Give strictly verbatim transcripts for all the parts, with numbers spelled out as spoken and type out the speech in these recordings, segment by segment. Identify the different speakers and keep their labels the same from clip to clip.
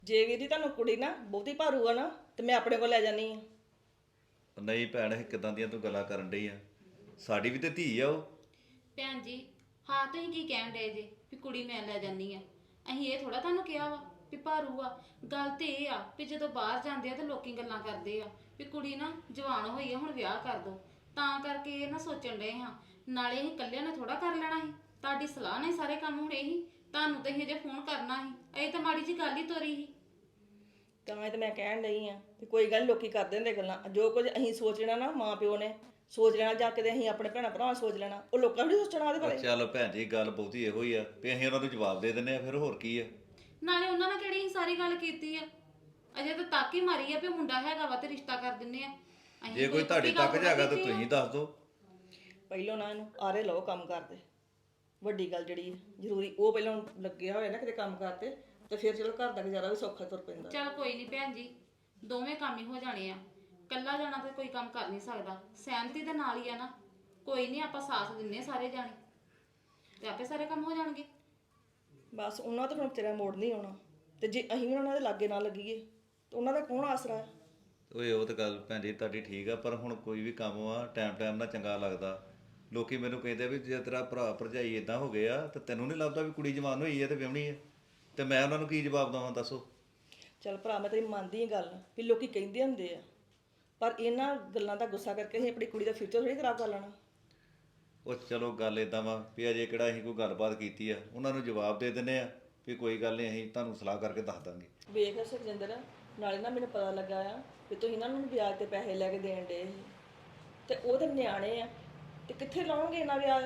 Speaker 1: ਜੇ ਵੀਰ ਜੀ ਤੁਹਾਨੂੰ ਕੁੜੀ ਨਾ ਬਹੁਤੀ ਭਾਰੂ ਆ ਨਾ ਤੇ ਮੈਂ ਆਪਣੇ ਕੋਲ ਲੈ ਜਾਨੀ ਆ।
Speaker 2: ਨਹੀਂ ਭੈਣ ਇਹ ਕਿਦਾਂ ਦੀਆਂ ਤੂੰ ਗੱਲਾਂ ਕਰਨ ਡਈ ਆ? ਸਾਡੀ ਵੀ ਤੇ ਧੀ ਆ ਉਹ।
Speaker 3: ਭੈਣ ਜੀ ਹਾਂ ਤੁਸੀਂ ਕੀ ਕਹਿਣ ਡਏ ਜੇ ਵੀ ਕੁੜੀ ਮੈਂ ਲੈ ਜਾਨੀ ਆ। ਅਸੀਂ ਇਹ ਥੋੜਾ ਤੁਹਾਨੂੰ ਕਿਹਾ ਵਾ ਵੀ ਭਾਰੂ ਆ। ਗੱਲ ਤੇ ਇਹ ਆ ਵੀ ਜਦੋਂ ਬਾਹਰ ਜਾਂਦੇ ਆ ਤੇ ਲੋਕੀ ਗੱਲਾਂ ਕਰਦੇ ਆ ਵੀ ਕੁੜੀ ਨਾ ਜਵਾਨ ਹੋਈ ਆ ਹੁਣ ਵਿਆਹ ਕਰ ਦੋ, ਤਾਂ ਕਰਕੇ ਇਹ ਨਾ ਸੋਚਣ ਡਏ ਹਾਂ। ਨਾਲੇ ਅਸੀਂ ਇਕੱਲਿਆਂ ਨੇ ਥੋੜਾ ਕਰ ਲੈਣਾ ਸੀ, ਤੁਹਾਡੀ ਸਲਾਹ ਨਾਲ ਹੀ ਸਾਰੇ ਕੰਮ ਹੋਣੇ ਸੀ। ਤੁਹਾਨੂੰ ਤਾਂ ਅਸੀਂ ਅਜੇ ਫੋਨ ਕਰਨਾ ਸੀ, ਇਹ ਤਾਂ ਮਾੜੀ ਜੀ ਗੱਲ ਹੀ ਤੋਰੀ ਸੀ।
Speaker 1: ਤਾਂ ਇਹ ਤਾਂ ਮੈਂ ਕਹਿਣ ਡਈ ਆ ਵੀ ਕੋਈ ਗੱਲ ਨੀ, ਲੋਕੀ ਕਰਦੇ ਹੁੰਦੇ ਗੱਲਾਂ। ਜੋ ਕੁਝ ਅਸੀਂ ਸੋਚ ਲੈਣਾ ਨਾ ਮਾਂ ਪਿਓ ਨੇ ਸੋਚ ਲੈਣਾ, ਜਾਂ ਕਿਤੇ ਅਸੀਂ ਆਪਣੇ ਭੈਣਾਂ ਭਰਾਵਾਂ ਸੋਚ ਲੈਣਾ, ਉਹ ਲੋਕਾਂ ਵੀ ਨੀ ਸੋਚਣਾ ਉਹਦੇ ਬਾਰੇ।
Speaker 2: ਚੱਲ ਭੈਣ ਜੀ ਗੱਲ ਬਹੁਤੀ ਇਹੋ ਹੀ ਆ ਵੀ ਅਸੀਂ ਉਹਨਾਂ ਨੂੰ ਜਵਾਬ ਦੇ ਦਿੰਨੇ ਆ, ਫਿਰ ਹੋਰ ਕੀ ਆ।
Speaker 3: ਨਾਲੇ ਉਹਨਾਂ ਨੇ ਕਿਹੜੀ ਅਸੀਂ ਸਾਰੀ ਗੱਲ ਕੀਤੀ ਆ, ਅਜੇ ਤਾਂ ਤੱਕ ਹੀ ਮਾਰੀ ਆ ਵੀ ਮੁੰਡਾ ਹੈਗਾ ਵਾ ਤੇ ਰਿਸ਼ਤਾ ਕਰ ਦਿੰਨੇ ਆ। ਅਸੀਂ
Speaker 2: ਜੇ ਕੋਈ ਤੁਹਾਡੇ
Speaker 3: ਪੱਕੀ ਗੱਲ
Speaker 2: ਤੱਕ ਜਾਗਾ ਤਾਂ
Speaker 3: ਕੀਤੀ ਆ।
Speaker 2: ਤੁਸੀਂ ਦੱਸ ਦਿਓ।
Speaker 1: ਪਹਿਲੋਂ ਨਾ ਇਹਨੂੰ ਆਰੇ ਲਓ ਕੰਮ ਕਰਦੇ। ਵੱਡੀ ਗੱਲ ਜਿਹੜੀ ਹੈ ਜ਼ਰੂਰੀ, ਉਹ ਪਹਿਲਾਂ ਲੱਗਿਆ ਹੋਇਆ ਨਾ ਕਿਤੇ ਕੰਮ ਕਰਤੇ ਤੇ ਫਿਰ ਚਲੋ ਘਰ ਦਾ ਗੁਜ਼ਾਰਾ ਵੀ ਸੌਖਾ ਤੁਰ ਪੈਂਦਾ।
Speaker 3: ਚੱਲ ਕੋਈ ਨਹੀਂ ਭੈਣ ਜੀ, ਦੋਵੇਂ ਕੰਮ ਹੀ ਹੋ ਜਾਣੇ ਆ। ਕੱਲਾ ਜਾਣਾ ਤੇ ਕੋਈ ਕੰਮ ਕਰ ਨਹੀਂ ਸਕਦਾ, ਸਹਿਮਤੀ ਦੇ ਨਾਲ ਹੀ ਆ ਨਾ। ਕੋਈ ਨਹੀਂ ਆਪਾਂ ਸਾਥ ਦਿੰਨੇ ਆ ਸਾਰੇ ਜਾਣੇ ਤੇ ਆਪੇ ਸਾਰੇ ਕੰਮ ਹੋ ਜਾਣਗੇ।
Speaker 1: ਬਸ ਉਹਨਾਂ ਤੋਂ ਹੁਣ ਤੇਰਾ ਮੋੜ ਨਹੀਂ ਆਉਣਾ, ਤੇ ਜੇ ਅਸੀਂ ਵੀ ਉਹਨਾਂ ਦੇ ਲਾਗੇ ਨਾ ਲੱਗੀਏ ਤੇ ਉਹਨਾਂ ਦਾ ਕੌਣ ਆਸਰਾ ਹੈ?
Speaker 2: ਓਏ ਉਹ ਤਾਂ ਗੱਲ ਭੈਣ ਜੀ ਤੁਹਾਡੀ ਠੀਕ ਆ, ਪਰ ਹੁਣ ਕੋਈ ਵੀ ਕੰਮ ਆ ਟਾਈਮ ਟਾਈਮ ਨਾਲ ਚੰਗਾ ਲੱਗਦਾ। ਲੋਕੀ ਮੈਨੂੰ ਕਹਿੰਦੇ ਵੀ ਜੇ ਤੇਰਾ ਭਰਾ ਭਰਜਾਈ ਇਦਾਂ ਹੋ ਗਏ ਆ ਤੇ ਤੈਨੂੰ ਨਹੀਂ ਲੱਗਦਾ ਵੀ ਕੁੜੀ ਜਵਾਨ ਹੋਈ ਹੈ ਤੇ ਵਿਆਹਣੀ ਹੈ, ਤੇ ਮੈਂ ਉਹਨਾਂ ਨੂੰ ਕੀ ਜਵਾਬ ਦੇਵਾਂ ਦੱਸੋ?
Speaker 1: ਚੱਲ ਭਰਾ ਮੈਂ ਤੇਰੀ ਮੰਨਦੀ ਹਾਂ ਗੱਲ ਵੀ ਲੋਕੀ ਕਹਿੰਦੇ ਹੁੰਦੇ ਆ, ਪਰ ਇਹਨਾਂ ਗੱਲਾਂ ਦਾ ਗੁੱਸਾ ਕਰਕੇ ਅਸੀਂ ਆਪਣੀ ਕੁੜੀ ਦਾ ਫਿਊਚਰ ਥੋੜੀ ਖਰਾਬ ਕਰ ਲੈਣਾ।
Speaker 2: ਉਹ ਚਲੋ ਗੱਲ ਇਦਾਂ ਵਾ ਵੀ ਅਜੇ ਕਿਹੜਾ ਅਸੀਂ ਕੋਈ ਗੱਲਬਾਤ ਕੀਤੀ ਆ, ਉਹਨਾਂ ਨੂੰ ਜਵਾਬ ਦੇ ਦਿੰਨੇ ਆ ਵੀ ਕੋਈ ਗੱਲ ਨਹੀਂ ਅਸੀਂ ਤੁਹਾਨੂੰ ਸਲਾਹ ਕਰਕੇ ਦੱਸ ਦਾਂਗੇ।
Speaker 1: ਵੇਖ ਸੁਖਜਿੰਦਰ, ਨਾਲੇ ਨਾ ਮੈਨੂੰ ਪਤਾ ਲੱਗਾ ਆ ਵੀ ਤੁਸੀਂ ਇਹਨਾਂ ਨੂੰ ਵਿਆਜ ਤੇ ਪੈਸੇ ਲੈ ਕੇ ਦੇਣ ਡੇ ਤੇ ਉਹ ਤੇ ਨਿਆਣੇ ਆ, ਤੇ ਕਿੱਥੇ ਲਾਉਣਗੇ ਇਹਨਾਂ ਵਿਆਜ?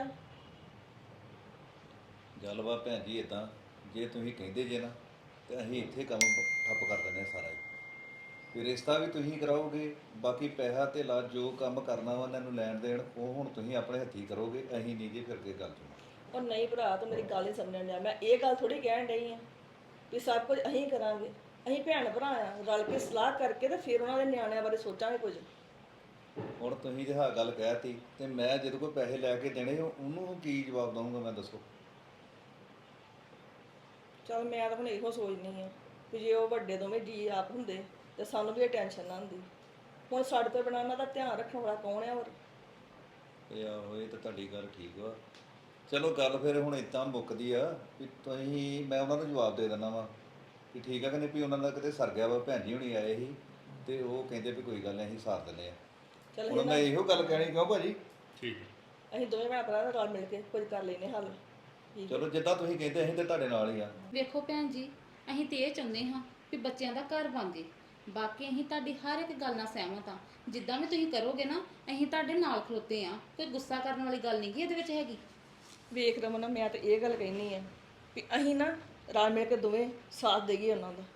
Speaker 2: ਗੱਲ ਵਾ ਭੈਣ ਜੀ ਇਦਾਂ, ਜੇ ਤੁਸੀਂ ਕਹਿੰਦੇ ਜੇ ਨਾ ਤੇ ਅਸੀਂ ਇੱਥੇ ਕੰਮ ਠੱਪ ਕਰ ਦਿੰਦੇ ਹਾਂ ਸਾਰਾ ਹੀ। ਫਿਰ ਰਿਸ਼ਤਾ ਵੀ ਤੁਸੀਂ ਕਰਾਓਗੇ, ਬਾਕੀ ਪੈਸਾ ਤੇ ਲਾ ਜੋ ਕੰਮ ਕਰਨਾ ਵਾ ਉਹਨਾਂ ਨੂੰ ਲੈਣ ਦੇਣ ਉਹ ਹੁਣ ਤੁਸੀਂ ਆਪਣੇ ਹੱਥੀਂ ਕਰੋਗੇ, ਅਸੀਂ ਨਹੀਂ ਜੀ ਫਿਰ ਕੇ ਗੱਲ ਸੁਣੋ।
Speaker 1: ਉਹ ਨਹੀਂ ਭਰਾ, ਤੂੰ ਮੇਰੀ ਗੱਲ ਨਹੀਂ ਸਮਝਣ ਡਿਆ। ਮੈਂ ਇਹ ਗੱਲ ਥੋੜੀ ਕਹਿਣ ਡਈ ਆ ਵੀ ਸਭ ਕੁਝ ਅਸੀਂ ਕਰਾਂਗੇ। ਅਸੀਂ ਭੈਣ ਭਰਾ ਆ, ਰਲ ਕੇ ਸਲਾਹ ਕਰਕੇ ਤੇ ਫਿਰ ਉਹਨਾਂ ਦੇ ਨਿਆਣਿਆਂ ਬਾਰੇ ਸੋਚਾਂਗੇ ਕੁਝ।
Speaker 2: ਹੁਣ ਤੁਸੀਂ ਜੇ ਹਾਂ ਗੱਲ ਕਹਿਤੀ ਤੇ ਮੈਂ ਜਦੋਂ ਕੋਈ ਪੈਸੇ ਲੈ ਕੇ ਦੇਣੇ ਉਹਨੂੰ ਕੀ ਜਵਾਬ ਦਊਂਗਾ ਮੈਂ ਦੱਸੋ?
Speaker 1: ਚਲ ਮੈਂ ਤਾਂ ਹੁਣ ਇਹੋ ਸੋਚਦੀ ਆ ਕਿ ਜੇ ਉਹ ਵੱਡੇ ਦੋਵੇਂ ਜੀ ਆਪ ਹੁੰਦੇ ਤੇ ਸਾਨੂੰ ਵੀ ਇਹ ਟੈਨਸ਼ਨ ਨਾ ਹੁੰਦੀ। ਹੁਣ ਸਾਡੇ ਤੋਂ ਬਿਨਾਂ ਉਹਨਾਂ ਦਾ ਧਿਆਨ ਰੱਖਣ ਵਾਲਾ ਕੌਣ ਆ ਹੋਰ?
Speaker 2: ਇਹ ਆਹੋ ਇਹ ਤਾਂ ਤੁਹਾਡੀ ਗੱਲ ਠੀਕ ਵਾ। ਚਲੋ ਗੱਲ ਫਿਰ ਹੁਣ ਇਦਾਂ ਮੁੱਕਦੀ ਆ ਵੀ ਤੁਸੀਂ ਮੈਂ ਉਹਨਾਂ ਨੂੰ ਜਵਾਬ ਦੇ ਦਿੰਦਾ ਵਾ ਕਿ ਠੀਕ ਆ ਕਿ ਨਹੀਂ, ਵੀ ਉਹਨਾਂ ਦਾ ਕਿਤੇ ਸਰ ਗਿਆ ਵਾ। ਭੈਣ ਜੀ ਹੁਣੀ ਆਏ ਸੀ ਤੇ ਉਹ ਕਹਿੰਦੇ ਵੀ ਕੋਈ ਗੱਲ ਨਹੀਂ ਅਸੀਂ ਸਾਰ ਦਿੰਦੇ ਆ।
Speaker 1: ਚਲ
Speaker 2: ਹੁਣ ਮੈਂ ਇਹੋ ਗੱਲ ਕਹਿਣੀ ਕਿਉਂ ਭਾਜੀ?
Speaker 4: ਠੀਕ ਹੈ।
Speaker 1: ਅਸੀਂ ਦੋਵੇਂ ਭੈਣ ਭਰਾ ਰਲ ਮਿਲ ਕੇ ਕੁਝ ਕਰ ਲੈਨੇ ਹੱਲ।
Speaker 2: ਚਲੋ ਜਿੱਦਾਂ ਤੁਸੀਂ ਕਹਿੰਦੇ ਅਸੀਂ ਤੇ ਤੁਹਾਡੇ ਨਾਲ ਹੀ ਆ।
Speaker 3: ਵੇਖੋ ਭੈਣ ਜੀ, ਅਸੀਂ ਤੇ ਇਹ ਚਾਹੁੰਦੇ ਹਾਂ ਵੀ ਬੱਚਿਆਂ ਦਾ ਘਰ ਬਣ ਜੇ। ਬਾਕੀ ਅਸੀਂ ਤੁਹਾਡੀ ਹਰ ਇੱਕ ਗੱਲ ਨਾਲ ਸਹਿਮਤ ਹਾਂ। ਜਿੱਦਾਂ ਵੀ ਤੁਸੀਂ ਕਰੋਗੇ ਨਾ ਅਸੀਂ ਤੁਹਾਡੇ ਨਾਲ ਖਲੋਤੇ ਆ। ਕੋਈ ਗੁੱਸਾ ਕਰਨ ਵਾਲੀ ਗੱਲ ਨਹੀਂ ਗੀ ਇਹਦੇ ਵਿੱਚ ਹੈਗੀ।
Speaker 1: ਵੇਖ ਰਮਨ, ਮੈਂ ਤਾਂ ਇਹ ਗੱਲ ਕਹਿਨੀ ਆ ਵੀ ਅਸੀਂ ਨਾ ਰਲ ਮਿਲ ਕੇ ਦੋਵੇਂ ਸਾਥ ਦੇਈਏ ਉਹਨਾਂ ਦਾ,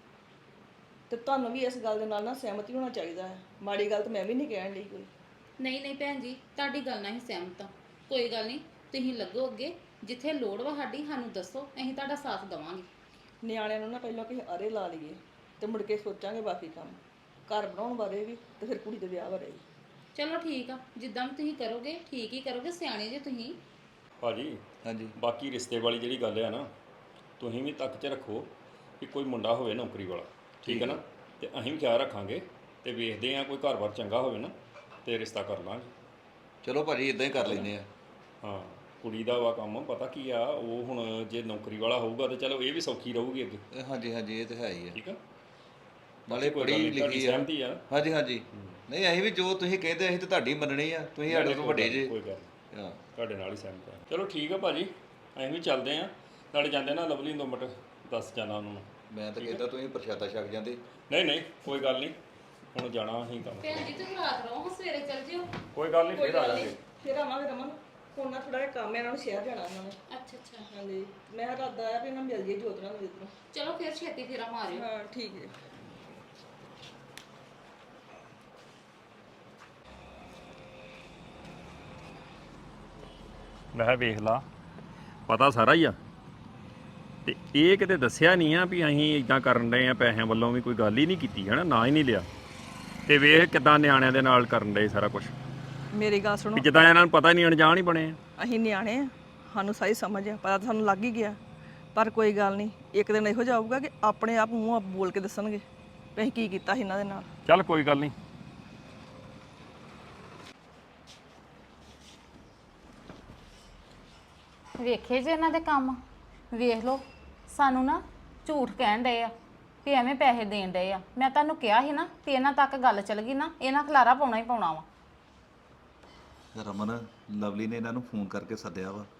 Speaker 1: ਤੇ ਤੁਹਾਨੂੰ ਵੀ ਇਸ ਗੱਲ ਦੇ ਨਾਲ ਨਾ ਸਹਿਮਤੀ ਹੋਣਾ ਚਾਹੀਦਾ ਹੈ। ਮਾੜੀ ਗੱਲ ਤਾਂ ਮੈਂ ਵੀ ਨਹੀਂ ਕਹਿਣ ਲਈ ਕੋਈ।
Speaker 3: ਨਹੀਂ ਨਹੀਂ ਭੈਣ ਜੀ, ਤੁਹਾਡੀ ਗੱਲ ਨਾਲ ਹੀ ਸਹਿਮਤ ਹਾਂ। ਕੋਈ ਗੱਲ ਨਹੀਂ, ਤੁਸੀਂ ਲੱਗੋ ਅੱਗੇ, ਜਿੱਥੇ ਲੋੜ ਵਾ ਸਾਡੀ ਸਾਨੂੰ ਦੱਸੋ, ਅਸੀਂ ਤੁਹਾਡਾ ਸਾਥ ਦੇਵਾਂਗੇ।
Speaker 1: ਨਿਆਣਿਆਂ ਨੂੰ ਨਾ ਪਹਿਲਾਂ ਕਿਸੇ ਆਰੇ ਲਾ ਲਈਏ ਤੇ ਮੁੜ ਕੇ ਸੋਚਾਂਗੇ ਬਾਕੀ ਕੰਮ, ਘਰ ਬਣਾਉਣ ਬਾਰੇ ਵੀ ਤੇ ਫਿਰ ਕੁੜੀ ਦੇ ਵਿਆਹ ਬਾਰੇ ਵੀ।
Speaker 3: ਚਲੋ ਠੀਕ ਆ, ਜਿੱਦਾਂ ਵੀ ਤੁਸੀਂ ਕਰੋਗੇ ਠੀਕ ਹੀ ਕਰੋਗੇ, ਸਿਆਣੇ ਜੇ ਤੁਸੀਂ।
Speaker 4: ਭਾਜੀ
Speaker 2: ਹਾਂਜੀ
Speaker 4: ਬਾਕੀ ਰਿਸ਼ਤੇ ਵਾਲੀ ਜਿਹੜੀ ਗੱਲ ਆ ਨਾ, ਤੁਸੀਂ ਵੀ ਤੱਕ 'ਚ ਰੱਖੋ ਕਿ ਕੋਈ ਮੁੰਡਾ ਹੋਵੇ ਨੌਕਰੀ ਵਾਲਾ, ਠੀਕ ਹੈ ਨਾ? ਤੇ ਅਸੀਂ ਵੀ ਖਿਆਲ ਰੱਖਾਂਗੇ ਤੇ ਵੇਖਦੇ ਆ ਕੋਈ ਘਰ-ਬਾਰ ਚੰਗਾ ਹੋਵੇ ਨਾ ਤੇ ਰਿਸ਼ਤਾ ਕਰ ਲਾਂਗੇ।
Speaker 2: ਚਲੋ ਭਾਜੀ ਇਦਾਂ ਹੀ ਕਰ ਲੈਂਦੇ ਆ।
Speaker 4: ਹਾਂ ਕੁੜੀ ਦਾ ਵਾ ਕੰਮ, ਪਤਾ ਕੀ ਆ, ਉਹ ਹੁਣ ਜੇ ਨੌਕਰੀ ਵਾਲਾ ਹੋਊਗਾ ਤੇ ਚਲੋ ਇਹ ਵੀ ਸੌਖੀ ਰਹੂਗੀ ਅੱਗੇ,
Speaker 2: ਇਹ ਹਾਂਜੀ ਹਾਂਜੀ ਇਹ ਤਾਂ ਹੈ ਹੀ ਆ।
Speaker 4: ਠੀਕ ਆ?
Speaker 2: ਨਾਲੇ
Speaker 4: ਕੋਈ
Speaker 2: ਪੜ੍ਹੀ
Speaker 4: ਗੱਲ ਨੀ, ਤੁਹਾਡੀ
Speaker 2: ਲਿਖੀ ਆ।
Speaker 4: ਸਹਿਮਤੀ ਆ।
Speaker 2: ਹਾਂਜੀ ਹਾਂਜੀ ਨਹੀਂ ਅਸੀਂ ਵੀ ਜੋ ਤੁਸੀਂ ਕਹਿੰਦੇ ਅਸੀਂ ਤਾਂ ਤੁਹਾਡੀ ਮੰਨਣੀ ਆ, ਤੁਸੀਂ ਸਾਡੇ ਤੋਂ ਵੱਡੇ ਜੇ।
Speaker 4: ਕੋਈ ਗੱਲ ਨੀ,
Speaker 2: ਹਾਂ
Speaker 4: ਤੁਹਾਡੇ ਨਾਲ ਹੀ ਸਹਿਮਤ ਆ। ਚਲੋ ਠੀਕ ਆ ਭਾਜੀ, ਅਸੀਂ ਵੀ ਚੱਲਦੇ ਆ। ਨਾਲੇ ਜਾਂਦੇ ਨਾ ਲਵਲੀ ਨੂੰ ਦੋ ਮਿੰਟ ਦੱਸ ਜਾਣਾ ਉਹਨਾਂ ਨੂੰ।
Speaker 2: ਮੈਂ ਤਾਂ ਕਹਿੰਦਾ ਤੁਸੀਂ ਪ੍ਰਸ਼ਾਦਾ ਛਕ ਜਾਂਦੇ।
Speaker 4: ਨਹੀਂ ਨਹੀਂ ਕੋਈ ਗੱਲ ਨਹੀਂ, ਹੁਣ ਜਾਣਾ ਅਸੀਂ ਕੰਮ।
Speaker 3: ਭੈਣ ਜੀ ਤੁਸੀਂ ਰਾਤ ਰਹੋ, ਹੁਣ ਸਵੇਰੇ ਚੱਲ ਜਿਓ।
Speaker 4: ਕੋਈ ਗੱਲ ਨਹੀਂ,
Speaker 1: ਕੋਈ
Speaker 4: ਫਿਰ ਆ
Speaker 1: ਗੱਲ
Speaker 4: ਜਾਵਾਂਗੇ।
Speaker 1: ਨਹੀਂ, ਫਿਰ ਆਵਾਂਗੇ ਰਮਨ। ਹੁਣ ਨਾ ਥੋੜਾ ਜਿਹਾ ਕੰਮ ਹੈ, ਇਹਨਾਂ ਨੂੰ ਸ਼ਹਿਰ ਜਾਣਾ ਉਹਨਾਂ ਨੇ।
Speaker 3: ਅੱਛਾ ਅੱਛਾ,
Speaker 1: ਹਾਂਜੀ, ਮੈਂ ਇਰਾਦਾ ਆਇਆ ਵੀ ਇਹਨਾਂ ਮਿਲ ਜੇ ਜੋਤ ਨਾਲ ਜਿੱਧਰੋਂ।
Speaker 3: ਚਲੋ ਫਿਰ ਛੇਤੀ ਫੇਰਾ ਮਾਰਿਓ।
Speaker 1: ਹਾਂ ਠੀਕ ਹੈ।
Speaker 4: ਮੈਂ ਕਿਹਾ ਵੇਖ ਲਾ, ਪਤਾ ਸਾਰਾ ਹੀ ਆ ਤੇ ਇਹ ਕਿਤੇ ਦੱਸਿਆ ਨਹੀਂ ਆ ਵੀ ਅਸੀਂ ਇਦਾਂ ਕਰਨ ਡਏ ਆ, ਪੈਸਿਆਂ ਵੱਲੋਂ ਵੀ ਕੋਈ ਗੱਲ ਹੀ ਨਹੀਂ ਕੀਤੀ ਹੈ ਨਾ, ਨਾ ਹੀ ਨਹੀਂ ਲਿਆ। ਤੇ ਵੇਖ ਕਿਦਾਂ ਨਿਆਣਿਆਂ ਦੇ ਨਾਲ ਕਰਨ ਡਏ ਸਾਰਾ ਕੁਝ,
Speaker 1: ਮੇਰੀ ਗੱਲ ਸੁਣੋ,
Speaker 4: ਵੀ ਜਿੱਦਾਂ ਇਹਨਾਂ ਨੂੰ ਪਤਾ ਹੀ ਨਹੀਂ, ਅਣਜਾਣ ਹੀ ਬਣੇ ਆ।
Speaker 1: ਅਸੀਂ ਨਿਆਣੇ ਆ, ਸਾਨੂੰ ਸਾਰੀ ਸਮਝ ਆ, ਪਤਾ ਤਾਂ ਸਾਨੂੰ ਲੱਗ ਹੀ ਗਿਆ ਪਰ ਕੋਈ ਗੱਲ ਨਹੀਂ, ਇੱਕ ਦਿਨ ਇਹੋ ਜਿਹਾ ਆਊਗਾ ਕਿ ਆਪਣੇ ਆਪ ਮੂੰਹ ਆਪ ਬੋਲ ਕੇ ਦੱਸਣਗੇ ਵੀ ਅਸੀਂ ਕੀ ਕੀਤਾ ਸੀ ਇਹਨਾਂ ਦੇ ਨਾਲ।
Speaker 4: ਚੱਲ ਕੋਈ ਗੱਲ ਨਹੀਂ।
Speaker 3: ਵੇਖੇ ਜੇ ਇਹਨਾਂ ਦੇ ਕੰਮ, ਵੇਖ ਲਓ ਸਾਨੂੰ ਨਾ ਝੂਠ ਕਹਿਣ ਡਏ ਆ ਵੀ ਐਵੇਂ ਪੈਸੇ ਦੇਣ ਡਏ ਆ। ਮੈਂ ਤੁਹਾਨੂੰ ਕਿਹਾ ਸੀ ਨਾ ਤੇ ਇਹਨਾਂ ਤੱਕ ਗੱਲ ਚੱਲ ਗਈ ਨਾ, ਇਹਨਾਂ ਖਲਾਰਾ ਪਾਉਣਾ ਹੀ ਪਾਉਣਾ ਵਾ।
Speaker 2: ਰਮਨ, ਲਵਲੀ ਨੇ ਇਹਨਾਂ ਨੂੰ ਫੋਨ ਕਰਕੇ ਸੱਦਿਆ ਵਾ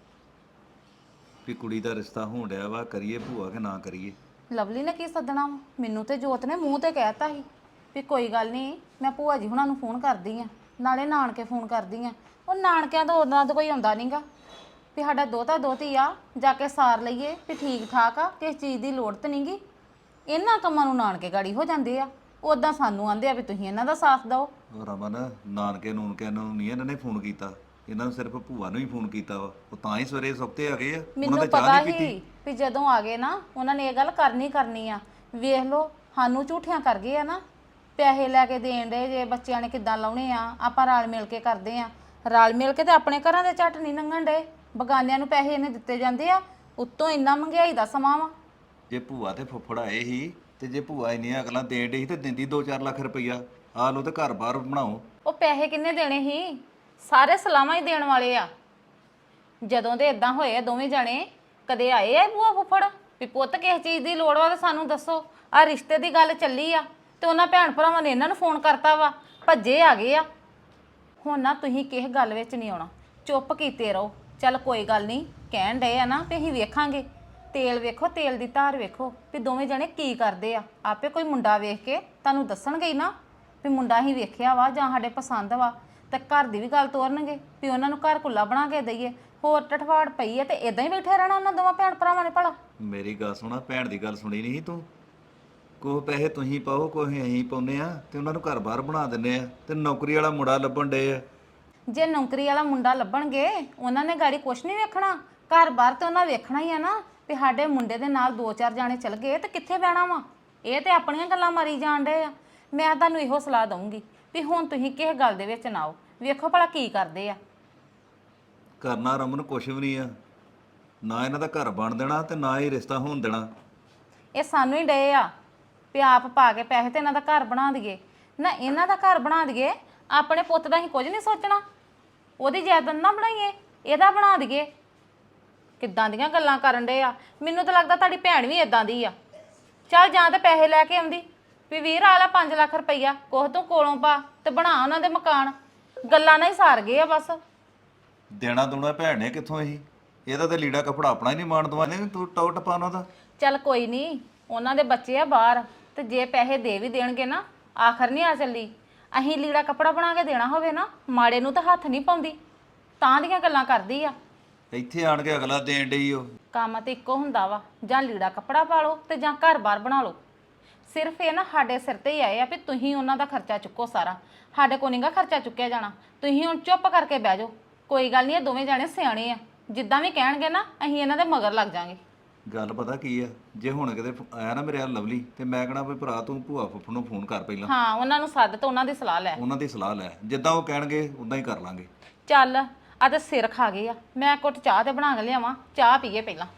Speaker 2: ਵੀ ਕੁੜੀ ਦਾ ਰਿਸ਼ਤਾ ਹੋਣ ਡਿਆ ਵਾ, ਕਰੀਏ ਭੂਆ ਕਿ ਨਾ ਕਰੀਏ।
Speaker 3: ਲਵਲੀ ਨੇ ਕੀ ਸੱਦਣਾ ਵਾ? ਮੈਨੂੰ ਤੇ ਜੋਤ ਨੇ ਮੂੰਹ ਤੇ ਕਹਿਤਾ ਸੀ ਵੀ ਕੋਈ ਗੱਲ ਨਹੀਂ, ਮੈਂ ਭੂਆ ਜੀ ਹੁਣਾਂ ਨੂੰ ਫੋਨ ਕਰਦੀ ਆ, ਨਾਲੇ ਨਾਨਕੇ ਫੋਨ ਕਰਦੀ ਆ। ਉਹ ਨਾਨਕਿਆਂ ਤੋਂ ਉਹਨਾਂ ਦਾ ਕੋਈ ਆਉਂਦਾ ਨਹੀਂਗਾ ਵੀ ਸਾਡਾ ਦੋਤਾ ਦੋਤੀ ਆ, ਜਾ ਕੇ ਸਾਰ ਲਈਏ ਵੀ ਠੀਕ ਠਾਕ ਆ, ਕਿਸੇ ਚੀਜ਼ ਦੀ ਲੋੜ ਤੇ ਨਹੀਂਗੀ। ਇਹਨਾਂ ਕੰਮਾਂ ਨੂੰ ਨਾਨਕੇ ਗਾੜੀ ਹੋ ਜਾਂਦੇ ਆ, ਉਦਾਂ ਸਾਨੂੰ ਆਂਦੇ ਆ ਵੀ ਤੁਸੀਂ ਇਹਨਾਂ ਦਾ ਸਾਥ ਦਿਓ।
Speaker 2: ਉਹ ਰਮਨ, ਨਾਨਕੇ ਨੂਨਕਿਆਂ ਨੂੰ ਨਹੀਂ ਇਹਨਾਂ ਨੇ ਫੋਨ ਕੀਤਾ, ਇਹਨਾਂ ਨੂੰ ਸਿਰਫ ਭੂਆ ਨੂੰ ਹੀ ਫੋਨ ਕੀਤਾ ਵਾ। ਉਹ ਤਾਂ ਹੀ ਸਵੇਰੇ ਸੁੱਤੇ ਆ ਗਏ ਆ, ਉਹਨਾਂ
Speaker 3: ਮੈਨੂੰ
Speaker 2: ਦੇ ਚਾਹ
Speaker 3: ਪਤਾ
Speaker 2: ਨਹੀਂ
Speaker 3: ਹੀ
Speaker 2: ਪੀਤੀ।
Speaker 3: ਵੀ ਜਦੋਂ ਆ ਗਏ ਨਾ ਉਹਨਾਂ ਨੇ ਇਹ ਗੱਲ ਕਰਨੀ ਕਰਨੀ ਆ। ਵੇਖ ਲਓ ਸਾਨੂੰ ਝੂਠਿਆਂ ਕਰ ਗਏ ਆ ਨਾ, ਪੈਸੇ ਲੈ ਕੇ ਦੇਣ ਦੇ ਜੇ ਬੱਚਿਆਂ ਨੇ ਕਿੱਦਾਂ ਲਾਉਣੇ ਆ, ਆਪਾਂ ਰਲ ਮਿਲ ਕੇ ਕਰਦੇ ਆ। ਰਲ ਮਿਲ ਕੇ ਤੇ ਆਪਣੇ ਘਰਾਂ ਦੇ ਝੱਟ ਨਹੀਂ ਲੰਘਣ ਡੇ, ਬਗਾਨਿਆਂ ਨੂੰ ਪੈਸੇ ਇਹਨੇ ਦਿੱਤੇ ਜਾਂਦੇ ਆ। ਉੱਤੋਂ ਇੰਨਾ ਮਹਿੰਗਾਈ ਦਾ ਸਮਾਂ ਵਾ।
Speaker 2: ਜੇ ਭੂਆ ਤੇ ਫੁੱਫੜ ਆਏ ਸੀ ਤੇ ਜੇ ਭੂਆ ਇੰਨੀਆਂ ਅਗਲਾਂ ਦੇਣ ਡਈ ਸੀ ਤੇ ਦਿੰਦੀ ਦੋ ਚਾਰ ਲੱਖ ਰੁਪਈਆ, ਆ ਲਓ ਤੇ ਘਰ ਬਾਹਰ ਬਣਾਓ।
Speaker 3: ਉਹ ਪੈਸੇ ਕਿੰਨੇ ਦੇਣੇ ਸੀ? ਸਾਰੇ ਸਲਾਮਾਂ ਹੀ ਦੇਣ ਵਾਲੇ ਆ। ਜਦੋਂ ਦੇ ਇਦਾਂ ਹੋਏ ਆ ਦੋਵੇਂ ਜਣੇ, ਕਦੇ ਆਏ ਆ ਭੂਆ ਫੁੱਫੜ ਵੀ ਪੁੱਤ ਕਿਸ ਚੀਜ਼ ਦੀ ਲੋੜ ਵਾ ਤੇ ਸਾਨੂੰ ਦੱਸੋ। ਆ ਰਿਸ਼ਤੇ ਦੀ ਗੱਲ ਚੱਲੀ ਆ ਤੇ ਉਹਨਾਂ ਭੈਣ ਭਰਾਵਾਂ ਨੇ ਇਹਨਾਂ ਨੂੰ ਫੋਨ ਕਰਤਾ ਵਾ, ਭੱਜੇ ਆ ਗਏ ਆ। ਹੁਣ ਨਾ ਤੁਸੀਂ ਕਿਸੇ ਗੱਲ ਵਿੱਚ ਨਹੀਂ ਆਉਣਾ, ਚੁੱਪ ਕੀਤੇ ਰਹੋ। ਚੱਲ ਕੋਈ ਗੱਲ ਨਹੀਂ, ਕਹਿਣ ਡਏ ਆ ਨਾ ਤੇ ਅਸੀਂ ਵੇਖਾਂਗੇ। ਤੇਲ ਵੇਖੋ, ਤੇਲ ਦੀ ਧਾਰ ਵੇਖੋ ਵੀ ਦੋਵੇਂ ਜਣੇ ਕੀ ਕਰਦੇ ਆ। ਆਪੇ ਕੋਈ ਮੁੰਡਾ ਵੇਖ ਕੇ ਤੁਹਾਨੂੰ ਦੱਸਣਗੇ ਹੀ ਨਾ ਵੀ ਮੁੰਡਾ ਹੀ ਵੇਖਿਆ ਵਾ ਜਾਂ ਸਾਡੇ ਪਸੰਦ ਵਾ, ਤੇ ਘਰ ਦੀ ਵੀ ਗੱਲ ਤੋਰਨਗੇ ਵੀ ਉਹਨਾਂ ਨੂੰ ਘਰ ਕੁੱਲਾ ਬਣਾ ਕੇ ਦਈਏ। ਹੋਰ ਟਠਵਾੜ ਪਈ ਹੈ ਤੇ ਇਦਾਂ ਹੀ ਬੈਠੇ ਰਹਿਣਾ ਉਹਨਾਂ ਦੋਵਾਂ ਭੈਣ ਭਰਾਵਾਂ ਨੇ ਭਲਾ।
Speaker 2: ਮੇਰੀ ਗੱਲ ਸੁਣਾ, ਭੈਣ ਦੀ ਗੱਲ ਸੁਣੀ ਨਹੀਂ ਤੂੰ? ਕੋਹ ਪੈਸੇ ਤੁਸੀਂ ਪਾਓ, ਕੋਹ ਅਸੀਂ ਪਾਉਨੇ ਆ ਤੇ ਉਹਨਾਂ ਨੂੰ ਘਰ ਬਾਹਰ ਬਣਾ ਦਿੰਨੇ ਆ ਤੇ ਨੌਕਰੀ ਵਾਲਾ ਮੁੰਡਾ ਲੱਭਣ ਡੇ ਆ।
Speaker 3: ਜੇ ਨੌਕਰੀ ਵਾਲਾ ਮੁੰਡਾ ਲੱਭਣਗੇ ਉਹਨਾਂ ਨੇ ਗਾੜੀ ਕੁਛ ਨਹੀਂ ਵੇਖਣਾ, ਘਰ ਬਾਹਰ ਤੇ ਉਹਨਾਂ ਵੇਖਣਾ ਹੀ ਆ ਨਾ ਵੀ ਸਾਡੇ ਮੁੰਡੇ ਦੇ ਨਾਲ ਦੋ ਚਾਰ ਜਾਣੇ ਚਲ ਗਏ ਤੇ ਕਿੱਥੇ ਬਹਿਣਾ ਵਾ। ਇਹ ਤੇ ਆਪਣੀਆਂ ਗੱਲਾਂ ਮਾਰੀ ਜਾਣ ਡੇ ਆ। ਮੈਂ ਤੁਹਾਨੂੰ ਇਹੋ ਸਲਾਹ ਦਊਂਗੀ ਵੀ ਹੁਣ ਤੁਸੀਂ ਕਿਸੇ ਗੱਲ ਦੇ ਵਿੱਚ ਨਾ ਆਓ, ਵੇਖੋ ਭਲਾ ਕੀ ਕਰਦੇ ਆ।
Speaker 2: ਕਰਨਾ ਰਮਨ ਕੁਛ ਵੀ ਨਹੀਂ ਆ, ਨਾ ਇਹਨਾਂ ਦਾ ਘਰ ਬਣ ਦੇਣਾ ਤੇ ਨਾ ਹੀ ਰਿਸ਼ਤਾ ਹੋਣ ਦੇਣਾ।
Speaker 3: ਇਹ ਸਾਨੂੰ ਹੀ ਡਏ ਆ ਵੀ ਆਪ ਪਾ ਕੇ ਪੈਸੇ ਤੇ ਇਹਨਾਂ ਦਾ ਘਰ ਬਣਾ ਦਈਏ ਨਾ, ਇਹਨਾਂ ਦਾ ਘਰ ਬਣਾ ਦਈਏ। ਆਪਣੇ ਪੁੱਤ ਦਾ ਹੀ ਕੁਝ ਨਹੀਂ ਸੋਚਣਾ, ਉਹਦੀ ਜਾਇਦਾਦ ਨਾ ਬਣਾਈਏ, ਇਹਦਾ ਬਣਾ ਦਈਏ। ਕਿੱਦਾਂ ਦੀਆਂ ਗੱਲਾਂ ਕਰਨ ਡੇ ਆ। ਮੈਨੂੰ ਤਾਂ ਲੱਗਦਾ ਤੁਹਾਡੀ ਭੈਣ ਵੀ ਇਦਾਂ ਦੀ ਆ। ਚੱਲ ਜਾਂ ਤੇ ਪੈਸੇ ਲੈ ਕੇ ਆਉਂਦੀ ਵੀ ਵੀਰ ਆ ਲੈ ਪੰਜ ਲੱਖ ਰੁਪਈਆ, ਕੋਹ ਤੂੰ ਕੋਲੋਂ ਪਾ ਤੇ ਬਣਾ ਉਹਨਾਂ ਦੇ ਮਕਾਨ। ਗੱਲਾਂ ਨਾਲ ਹੀ ਸਾਰ ਗਏ ਆ ਬਸ।
Speaker 2: ਦੇਣਾ ਦੂਣਾ ਭੈਣ ਨੇ ਕਿੱਥੋਂ ਇਹੀ, ਇਹਦਾ ਤੇ ਲੀੜਾ ਕਪੜਾ ਆਪਣਾ ਹੀ ਨਹੀਂ ਮਾਣ ਦਵਾਨੇ, ਤੂੰ ਟੌ ਟਪਾ ਉਹਨਾਂ ਦਾ।
Speaker 3: ਚੱਲ ਕੋਈ ਨਹੀਂ, ਉਹਨਾਂ ਦੇ ਬੱਚੇ ਆ ਬਾਹਰ, ਤੇ ਜੇ ਪੈਸੇ ਦੇ ਵੀ ਦੇਣਗੇ ਨਾ, ਆਖਰ ਨਹੀਂ ਆ ਚੱਲੀ। ਅਸੀਂ ਲੀੜਾ ਕੱਪੜਾ ਬਣਾ ਕੇ ਦੇਣਾ ਹੋਵੇ ਨਾ, ਮਾੜੇ ਨੂੰ ਤਾਂ ਹੱਥ ਨਹੀਂ ਪਾਉਂਦੀ, ਤਾਂ ਦੀਆਂ ਗੱਲਾਂ ਕਰਦੀ ਆ।
Speaker 2: ਇੱਥੇ ਆਣ ਕੇ ਅਗਲਾ ਦੇਣ ਡਈ ਉਹ।
Speaker 3: ਕੰਮ ਤੇ ਇੱਕੋ ਹੁੰਦਾ ਵਾ, ਜਾਂ ਲੀੜਾ ਕੱਪੜਾ ਪਾ ਲਓ ਤੇ ਜਾਂ ਘਰ-ਬਾਰ ਬਣਾ ਲਓ। ਸਿਰਫ ਇਹ ਨਾ ਸਾਡੇ ਸਿਰ ਤੇ ਹੀ ਆਏ ਆ ਵੀ ਤੁਸੀਂ ਉਹਨਾਂ ਦਾ ਖਰਚਾ ਚੁੱਕੋ ਸਾਰਾ, ਸਾਡੇ ਕੋਲ ਨਹੀਂਗਾ ਖਰਚਾ ਚੁੱਕਿਆ ਜਾਣਾ। ਤੁਸੀਂ ਹੁਣ ਚੁੱਪ ਕਰਕੇ ਬਹਿ ਜਾਓ। ਕੋਈ ਗੱਲ ਨਹੀਂ, ਇਹ ਦੋਵੇਂ ਜਾਣੇ ਸਿਆਣੇ ਆ, ਜਿੱਦਾਂ ਵੀ ਕਹਿਣਗੇ ਨਾ ਅਸੀਂ ਇਹਨਾਂ ਦੇ ਮਗਰ ਲੱਗ ਜਾਾਂਗੇ।
Speaker 2: ਗੱਲ ਪਤਾ ਕੀ ਆ, ਜੇ ਹੁਣ ਕਿਤੇ ਆਇਆ ਨਾ ਮੇਰੇ ਆ ਲਵਲੀ ਤੇ ਮੈਂ ਕਹਣਾ ਵੀ ਭਰਾ ਤੂੰ ਭੂਆ ਫੁੱਫੜ ਨੂੰ ਫੋਨ ਕਰ ਪਹਿਲਾਂ।
Speaker 3: ਹਾਂ, ਉਹਨਾਂ ਨੂੰ ਸੱਦ ਤੇ ਉਹਨਾਂ ਦੀ ਸਲਾਹ ਲੈ।
Speaker 2: ਉਹਨਾਂ ਦੀ ਸਲਾਹ ਲੈ, ਜਿੱਦਾਂ ਉਹ ਕਹਿਣਗੇ ਉਦਾਂ ਹੀ ਕਰ ਲਾਂਗੇ।
Speaker 3: ਚੱਲ ਆ ਤੇ ਸਿਰ ਖਾ ਗਏ ਆ, ਮੈਂ ਕੁੱਟ ਚਾਹ ਤੇ ਬਣਾ ਕੇ ਲਿਆਵਾਂ, ਚਾਹ ਪੀਏ ਪਹਿਲਾਂ।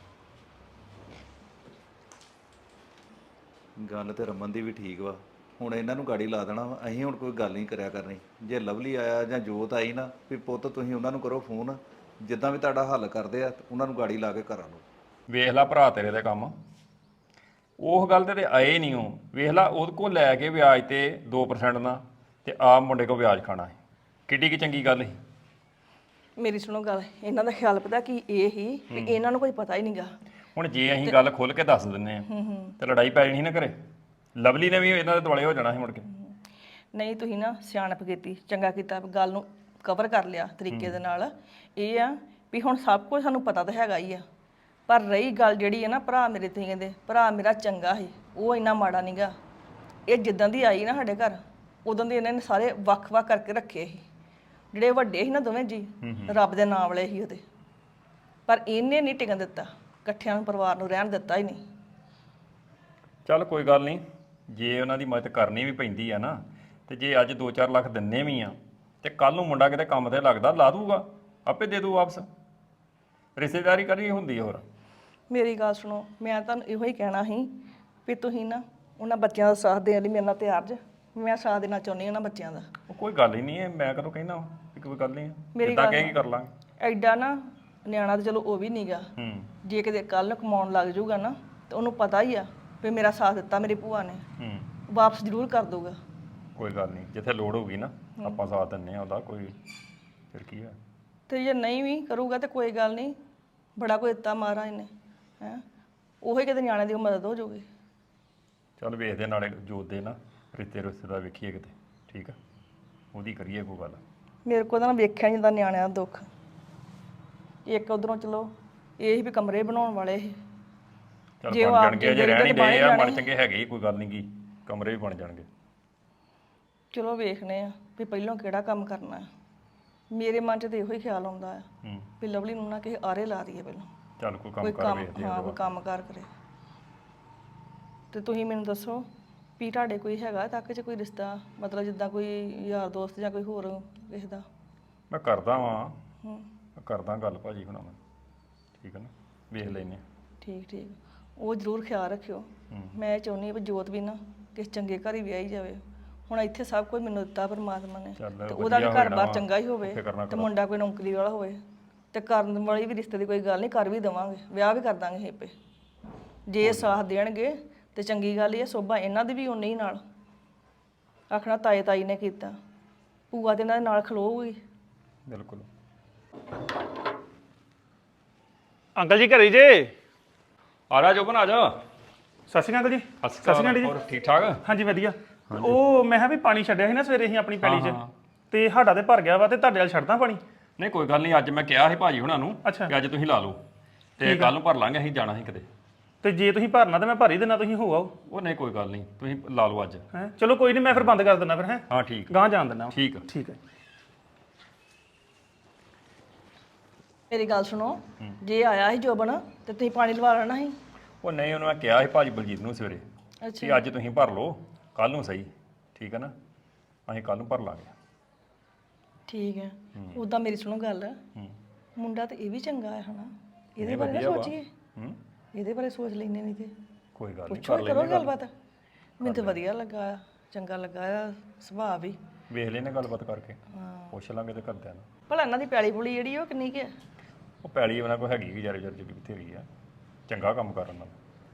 Speaker 2: ਗੱਲ ਤੇ ਰਮਨ ਦੀ ਵੀ ਠੀਕ ਵਾ, ਹੁਣ ਇਹਨਾਂ ਨੂੰ ਗਾੜੀ ਲਾ ਦੇਣਾ ਵਾ। ਅਸੀਂ ਹੁਣ ਕੋਈ ਗੱਲ ਨਹੀਂ ਕਰਿਆ ਕਰਨੀ। ਜੇ ਲਵਲੀ ਆਇਆ ਜਾਂ ਜੋਤ ਆਈ ਨਾ ਵੀ ਪੁੱਤ ਤੁਸੀਂ ਉਹਨਾਂ ਨੂੰ ਕਰੋ ਫੋਨ, ਜਿੱਦਾਂ ਵੀ ਤੁਹਾਡਾ ਹੱਲ ਕਰਦੇ ਆ ਉਹਨਾਂ ਨੂੰ ਗਾੜੀ ਲਾ ਕੇ ਘਰਾਂ ਨੂੰ।
Speaker 4: ਵੇਖ ਲਾ ਭਰਾ ਤੇਰੇ ਦੇ ਕੰਮ, ਉਹ ਗੱਲ ਤੇ ਤੇ ਆਏ ਨਹੀਂ। ਉਹ ਵੇਖ ਲਾ ਉਹਦੇ ਕੋਲ ਲੈ ਕੇ ਵਿਆਜ ਤੇ ਦੋ ਪਰਸੈਂਟ ਨਾਲ ਤੇ ਆਪ ਮੁੰਡੇ ਕੋਲ ਵਿਆਜ ਖਾਣਾ ਹੈ। ਕਿੱਡੀ ਕੀ ਚੰਗੀ ਗੱਲ ਸੀ।
Speaker 1: ਮੇਰੀ ਸੁਣੋ ਗੱਲ, ਇਹਨਾਂ ਦਾ ਖਿਆਲ ਪਤਾ ਕੀ ਇਹ ਹੀ ਕਿ ਇਹਨਾਂ ਨੂੰ ਕੋਈ ਪਤਾ ਹੀ ਨਹੀਂਗਾ।
Speaker 4: ਹੁਣ ਜੇ ਅਸੀਂ ਗੱਲ ਖੁੱਲ ਕੇ ਦੱਸ ਦਿੰਨੇ ਆ ਤੇ ਲੜਾਈ ਪੈ ਜਾਣੀ ਨਾ ਘਰੇ। ਲਵਲੀ ਨੇ ਵੀ ਇਹਨਾਂ ਦੇ ਦੁਆਲੇ ਹੋ ਜਾਣਾ ਸੀ ਮੁੜ ਕੇ।
Speaker 1: ਨਹੀਂ, ਤੁਸੀਂ ਨਾ ਸਿਆਣਪ ਕੀਤੀ, ਚੰਗਾ ਕੀਤਾ, ਗੱਲ ਨੂੰ ਕਵਰ ਕਰ ਲਿਆ ਤਰੀਕੇ ਦੇ ਨਾਲ। ਇਹ ਆ ਵੀ ਹੁਣ ਸਭ ਕੁਝ ਸਾਨੂੰ ਪਤਾ ਤਾਂ ਹੈਗਾ ਹੀ ਆ, ਪਰ ਰਹੀ ਗੱਲ ਜਿਹੜੀ ਹੈ ਨਾ, ਭਰਾ ਮੇਰੇ ਤੁਸੀਂ ਕਹਿੰਦੇ ਭਰਾ ਮੇਰਾ ਚੰਗਾ ਸੀ, ਉਹ ਇੰਨਾ ਮਾੜਾ ਨਹੀਂਗਾ। ਇਹ ਜਿੱਦਾਂ ਦੀ ਆਈ ਨਾ ਸਾਡੇ ਘਰ, ਉਦੋਂ ਦੇ ਇਹਨਾਂ ਨੇ ਸਾਰੇ ਵੱਖ-ਵੱਖ ਕਰਕੇ ਰੱਖੇ ਸੀ। ਜਿਹੜੇ ਵੱਡੇ ਸੀ ਨਾ ਦੋਵੇਂ ਜੀ, ਰੱਬ ਦੇ ਨਾਮ ਵਾਲੇ ਸੀ ਉਹਦੇ, ਪਰ ਇਹਨੇ ਨਹੀਂ ਟਿਕਣ ਦਿੱਤਾ, ਇਕੱਠਿਆਂ ਨੂੰ ਪਰਿਵਾਰ ਨੂੰ ਰਹਿਣ ਦਿੱਤਾ ਹੀ ਨਹੀਂ।
Speaker 4: ਚੱਲ ਕੋਈ ਗੱਲ ਨਹੀਂ, ਜੇ ਉਹਨਾਂ ਦੀ ਮਦਦ ਕਰਨੀ ਵੀ ਪੈਂਦੀ ਆ ਨਾ, ਤੇ ਜੇ ਅੱਜ ਦੋ ਚਾਰ ਲੱਖ ਦਿੰਨੇ ਵੀ ਆ ਤੇ ਕੱਲ ਨੂੰ ਮੁੰਡਾ ਕਿਤੇ ਕੰਮ ਤੇ ਲੱਗਦਾ ਲਾ ਦੂਗਾ, ਆਪੇ ਦੇ ਦੂ ਵਾਪਸ। ਰਿਸ਼ਤੇਦਾਰੀ ਕਰੀ ਹੁੰਦੀ ਹੋਰ।
Speaker 1: ਮੇਰੀ ਗੱਲ ਸੁਣੋ, ਮੈਂ ਤੁਹਾਨੂੰ ਇਹੋ ਹੀ ਕਹਿਣਾ ਸੀ ਵੀ ਤੁਸੀਂ ਨਾ ਉਹਨਾਂ ਬੱਚਿਆਂ ਦਾ ਸਾਥ ਦੇਣ ਲਈ ਮੇਰੇ ਨਾਲ ਤਿਆਰ ਜੇ। ਮੈਂ ਸਾਥ ਦੇਣਾ ਚਾਹੁੰਦੀ ਹਾਂ ਉਹਨਾਂ ਬੱਚਿਆਂ ਦਾ।
Speaker 4: ਉਹ ਕੋਈ ਗੱਲ ਹੀ ਨਹੀਂ ਹੈ, ਮੈਂ ਕਦੋਂ ਕਹਿਣਾ ਵੀ ਕੋਈ ਗੱਲ ਨਹੀਂ
Speaker 1: ਮੇਰੀ
Speaker 4: ਜਿੱਦਾਂ
Speaker 1: ਗੱਲ
Speaker 4: ਕਹੇਗੀ ਕਰ ਲਾਂਗੇ।
Speaker 1: ਐਡਾ ਨਾ ਨਿਆਣਾ ਤਾਂ ਚਲੋ ਉਹ ਵੀ ਨਹੀਂਗਾ,
Speaker 4: ਹੂੰ
Speaker 1: ਜੇ ਕਿਤੇ ਕੱਲ ਕਮਾਉਣ ਲੱਗ ਜਾਊਗਾ ਨਾ ਤੇ ਉਹਨੂੰ ਪਤਾ ਹੀ ਆ ਵੀ ਮੇਰਾ ਸਾਥ ਦਿੱਤਾ ਮੇਰੀ ਭੂਆ ਨੇ,
Speaker 4: ਹੂੰ
Speaker 1: ਵਾਪਸ ਜ਼ਰੂਰ ਕਰ ਦਊਗਾ।
Speaker 4: ਕੋਈ ਗੱਲ ਨਹੀਂ, ਜਿੱਥੇ ਲੋੜ ਹੋਊਗੀ ਨਾ ਆਪਾਂ ਸਾਥ ਦਿੰਨੇ ਆ ਉਹਦਾ, ਕੋਈ ਫਿਰ ਕੀ ਹੈ।
Speaker 1: ਤੇ ਜੇ ਨਹੀਂ ਵੀ ਕਰੂਗਾ ਤੇ ਕੋਈ ਗੱਲ ਨਹੀਂ, ਬੜਾ ਕੋਈ ਦਿੱਤਾ ਮਹਾਰਾਜ ਨੇ ਹੈ, ਉਹੀ ਕਿਤੇ ਨਿਆਣੇ ਦੀ ਮਦਦ ਹੋ ਜਾਊਗੀ।
Speaker 4: ਚੱਲ ਵੇਖਦੇ ਨਾਲੇ ਜੋਤ ਦੇ ਨਾ ਰਿਸ਼ਤੇ ਰੁਸ਼ਤੇ ਦਾ ਵੇਖੀਏ ਕਿਤੇ, ਠੀਕ ਆ, ਉਹਦੀ ਕਰੀਏ ਕੋਈ ਗੱਲ।
Speaker 1: ਮੇਰੇ ਕੋਲ ਤਾਂ ਨਾ ਵੇਖਿਆ ਨੀ ਜਾਂਦਾ ਨਿਆਣਿਆਂ ਦਾ ਦੁੱਖ। ਇੱਕ ਉਧਰੋਂ ਚਲੋ ਇਹ ਸੀ ਵੀ ਕਮਰੇ ਬਣਾਉਣ ਵਾਲੇ ਸੀ,
Speaker 4: ਚੱਲ
Speaker 1: ਜੇ ਉਹ
Speaker 4: ਬਣ
Speaker 1: ਆਪ
Speaker 4: ਜਾਣਗੇ, ਜੇ
Speaker 1: ਜਿੰਦੇ
Speaker 4: ਰਹਿਣੀ
Speaker 1: ਤੇ ਬਾਹਰ
Speaker 4: ਦੇ ਆ
Speaker 1: ਜਾਣੇ
Speaker 4: ਮਨ ਚੰਗੇ ਹੈਗੇ ਹੀ, ਕੋਈ ਗੱਲ ਨਹੀਂ ਗੀ, ਕਮਰੇ ਵੀ ਬਣ ਜਾਣਗੇ।
Speaker 1: ਚਲੋ ਵੇਖਨੇ ਆ ਵੀ ਪਹਿਲਾਂ ਕਿਹੜਾ ਕੰਮ ਕਰਨਾ ਹੈ। ਮੇਰੇ ਮਨ 'ਚ ਤਾਂ ਇਹੋ ਹੀ ਖਿਆਲ ਆਉਂਦਾ ਆ
Speaker 4: ਹੂੰ
Speaker 1: ਵੀ ਲਵਲੀ ਨੂੰ ਨਾ ਕਿਸੇ ਆਰੇ ਲਾ ਦਈਏ ਪਹਿਲਾਂ,
Speaker 4: ਚੱਲ ਕੋਈ ਕੰਮ
Speaker 1: ਕੋਈ
Speaker 4: ਕਰ
Speaker 1: ਕੰਮ
Speaker 4: ਵੇਖਦੇ
Speaker 1: ਹਾਂ
Speaker 4: ਆ
Speaker 1: ਕੋਈ ਕੰਮ ਕਾਰ ਕਰੇ। ਤੇ ਤੁਸੀਂ ਮੈਨੂੰ ਦੱਸੋ ਵੀ ਤੁਹਾਡੇ ਕੋਈ ਹੈਗਾ ਤੱਕ 'ਚ ਕੋਈ ਰਿਸ਼ਤਾ, ਮਤਲਬ ਜਿੱਦਾਂ ਕੋਈ ਯਾਰ ਦੋਸਤ ਜਾਂ ਕੋਈ ਹੋਰ ਕਿਸੇ ਦਾ?
Speaker 4: ਮੈਂ ਕਰਦਾ ਵਾਂ,
Speaker 1: ਹੂੰ
Speaker 4: ਮੈਂ ਕਰਦਾ ਗੱਲ ਭਾਜੀ ਹੁਣਾਂ ਨਾਲ, ਠੀਕ ਹੈ ਨਾ, ਵੇਖ ਲੈਨੇ ਆ।
Speaker 1: ਠੀਕ ਠੀਕ, ਉਹ ਜ਼ਰੂਰ ਖਿਆਲ ਰੱਖਿਓ।
Speaker 4: ਹੂੰ
Speaker 1: ਮੈਂ ਇਹ ਚਾਹੁੰਦੀ ਹਾਂ ਵੀ ਜੋਤ ਵੀ ਨਾ ਕਿਸੇ ਚੰਗੇ ਘਰ ਹੀ ਵਿਆਹੀ ਜਾਵੇ। ਹੁਣ ਇੱਥੇ ਸਭ ਕੁਝ ਮੈਨੂੰ ਦਿੱਤਾ ਪਰਮਾਤਮਾ ਨੇ,
Speaker 4: ਚੱਲ
Speaker 1: ਤੇ ਉਹਦਾ ਵੀ
Speaker 4: ਵਧੀਆ
Speaker 1: ਘਰ-ਬਾਰ
Speaker 4: ਹੋਣਾ
Speaker 1: ਚੰਗਾ ਹੀ ਹੋਵੇ,
Speaker 4: ਉੱਥੇ ਕਰਨਾ
Speaker 1: ਤੇ ਮੁੰਡਾ ਕੋਈ ਨੌਕਰੀ ਵਾਲਾ ਹੋਵੇ, ਤੇ ਕਰਨ ਵਾਲੀ ਵੀ ਰਿਸ਼ਤੇ ਦੀ ਕੋਈ ਗੱਲ ਨਹੀਂ, ਕਰ ਵੀ ਦੇਵਾਂਗੇ, ਵਿਆਹ ਵੀ ਕਰ ਦਾਂਗੇ ਹੇਪੇ। ਜੇ ਇਹ ਸਾਥ ਦੇਣਗੇ ਤੇ ਚੰਗੀ ਗੱਲ ਹੀ ਹੈ, ਸੋਭਾ ਇਹਨਾਂ ਦੀ ਵੀ ਉਨੀ ਹੀ ਨਾਲ ਆਖਣਾ ਤਾਏ ਤਾਈ ਨੇ ਕੀਤਾ, ਭੂਆ ਤੇ ਇਹਨਾਂ ਦੇ ਨਾਲ ਖਲੋਊਗੀ।
Speaker 4: ਬਿਲਕੁਲ।
Speaker 5: ਅੰਕਲ ਜੀ ਘਰੇ ਜੇ?
Speaker 4: ਆ ਜਾ ਜੋਬਨ, ਆ ਜਾ।
Speaker 5: ਸਤਿ ਸ਼੍ਰੀ ਅਕਾਲ ਜੀ।
Speaker 4: ਸਤਿ ਸ਼੍ਰੀ ਅਕਾਲ ਜੀ। ਹੋਰ ਠੀਕ ਠਾਕ?
Speaker 5: ਹਾਂਜੀ ਵਧੀਆ। ਉਹ ਮੈਂ ਕਿਹਾ ਵੀ ਪਾਣੀ ਛੱਡਿਆ ਸੀ ਨਾ ਸਵੇਰੇ ਅਸੀਂ ਆਪਣੀ ਪੈਲੀ 'ਚ,
Speaker 4: ਹਾਂ, ਹਾਂ।
Speaker 5: ਤੇ ਸਾਡਾ ਤੇ ਭਰ ਗਿਆ ਵਾ, ਤੇ ਤੁਹਾਡੇ ਵਾਲ ਛੱਡਦਾ ਪਾਣੀ?
Speaker 4: ਨਹੀਂ ਕੋਈ ਗੱਲ ਨਹੀਂ, ਅੱਜ ਮੈਂ ਕਿਹਾ ਸੀ ਭਾਜੀ ਹੁਣਾਂ ਨੂੰ
Speaker 5: ਅੱਛਾ।
Speaker 4: ਕਿ ਅੱਜ ਤੁਸੀਂ ਲਾ ਲਓ, ਤੇ ਕੱਲ ਨੂੰ ਭਰ ਲਾਂਗੇ, ਅਸੀਂ ਜਾਣਾ ਸੀ ਕਿਤੇ।
Speaker 5: ਤੇ ਜੇ ਤੁਸੀਂ ਭਰਨਾ ਤਾਂ ਮੈਂ ਭਰ ਹੀ ਦੇਣਾ, ਤੁਸੀਂ ਹੋ ਆਓ।
Speaker 4: ਉਹ ਨਹੀਂ ਕੋਈ ਗੱਲ ਨਹੀਂ, ਤੁਸੀਂ ਲਾ ਲਓ ਅੱਜ।
Speaker 5: ਹੈ ਚਲੋ ਕੋਈ ਨਹੀਂ, ਮੈਂ ਫਿਰ ਬੰਦ ਕਰ ਦਿੰਦਾ ਫਿਰ। ਹੈ
Speaker 4: ਹਾਂ ਠੀਕ
Speaker 5: ਗਾਂ ਜਾਣ ਦਿੰਦਾ।
Speaker 4: ਠੀਕ ਆ।
Speaker 5: ਠੀਕ ਹੈ।
Speaker 1: ਮੇਰੀ ਗੱਲ ਸੁਣੋ, ਜੇ ਆਇਆ ਸੀ ਜੋਬਨ ਤੇ ਤੁਸੀਂ ਪਾਣੀ ਲਵਾ ਲੈਣਾ ਸੀ।
Speaker 4: ਉਹ ਨਹੀਂ, ਉਹਨੂੰ ਮੈਂ ਕਿਹਾ ਸੀ ਭਾਜੀ ਬਲਜੀਤ ਨੂੰ ਸਵੇਰੇ
Speaker 1: ਅੱਛਾ
Speaker 4: ਕਿ ਅੱਜ ਤੁਸੀਂ ਭਰ ਲਓ, ਕੱਲ ਨੂੰ ਸਹੀ, ਠੀਕ ਹੈ ਨਾ, ਅਸੀਂ ਕੱਲ ਨੂੰ ਭਰ ਲਾਂਗੇ।
Speaker 1: ਠੀਕ ਹੈ। ਉਦਾਂ ਮੇਰੀ ਸੁਣੋ ਗੱਲ,
Speaker 4: ਹੂੰ
Speaker 1: ਮੁੰਡਾ ਤੇ ਇਹ ਵੀ ਚੰਗਾ ਹੈ ਹਨਾ, ਇਹਦੇ
Speaker 4: ਨਹੀਂ,
Speaker 1: ਬਾਰੇ ਨਾ
Speaker 4: ਵਧੀਆ ਵਾ।
Speaker 1: ਸੋਚੀਏ,
Speaker 4: ਹੂੰ
Speaker 1: ਇਹਦੇ ਬਾਰੇ ਸੋਚ ਲੈਨੇ ਨਹੀਂ ਤੇ
Speaker 4: ਕੋਈ ਗੱਲ ਨਹੀਂ,
Speaker 1: ਪੁੱਛੋ
Speaker 4: ਕਰ
Speaker 1: ਕਰੋ
Speaker 4: ਲੈਨੇ ਗੱਲ,
Speaker 1: ਗੱਲਬਾਤ। ਮੈਨੂੰ ਤਾਂ ਵਧੀਆ ਲੱਗਾ ਆ, ਚੰਗਾ ਲੱਗਾ ਆ ਸੁਭਾਅ ਵੀ।
Speaker 4: ਵੇਖ ਲੈਨੇ ਗੱਲਬਾਤ ਕਰਕੇ, ਪੁੱਛ ਲਾਂਗੇ ਤੇ ਕਰਦਿਆਂ ਨੂੰ।
Speaker 1: ਭਲਾ ਇਹਨਾਂ ਦੀ ਪੈਲੀ ਪੁਲੀ ਜਿਹੜੀ ਉਹ ਕਿੰਨੀ ਕੁ ਹੈ?
Speaker 4: ਉਹ ਪੈਲੀ ਉਹਨਾਂ ਕੋਲ ਹੈਗੀ ਗੁਜ਼ਾਰੇ ਜਰ ਜੀ ਬਥੇਰੀ ਆ, ਚੰਗਾ ਕੰਮ ਕਰਨ ਨਾਲ।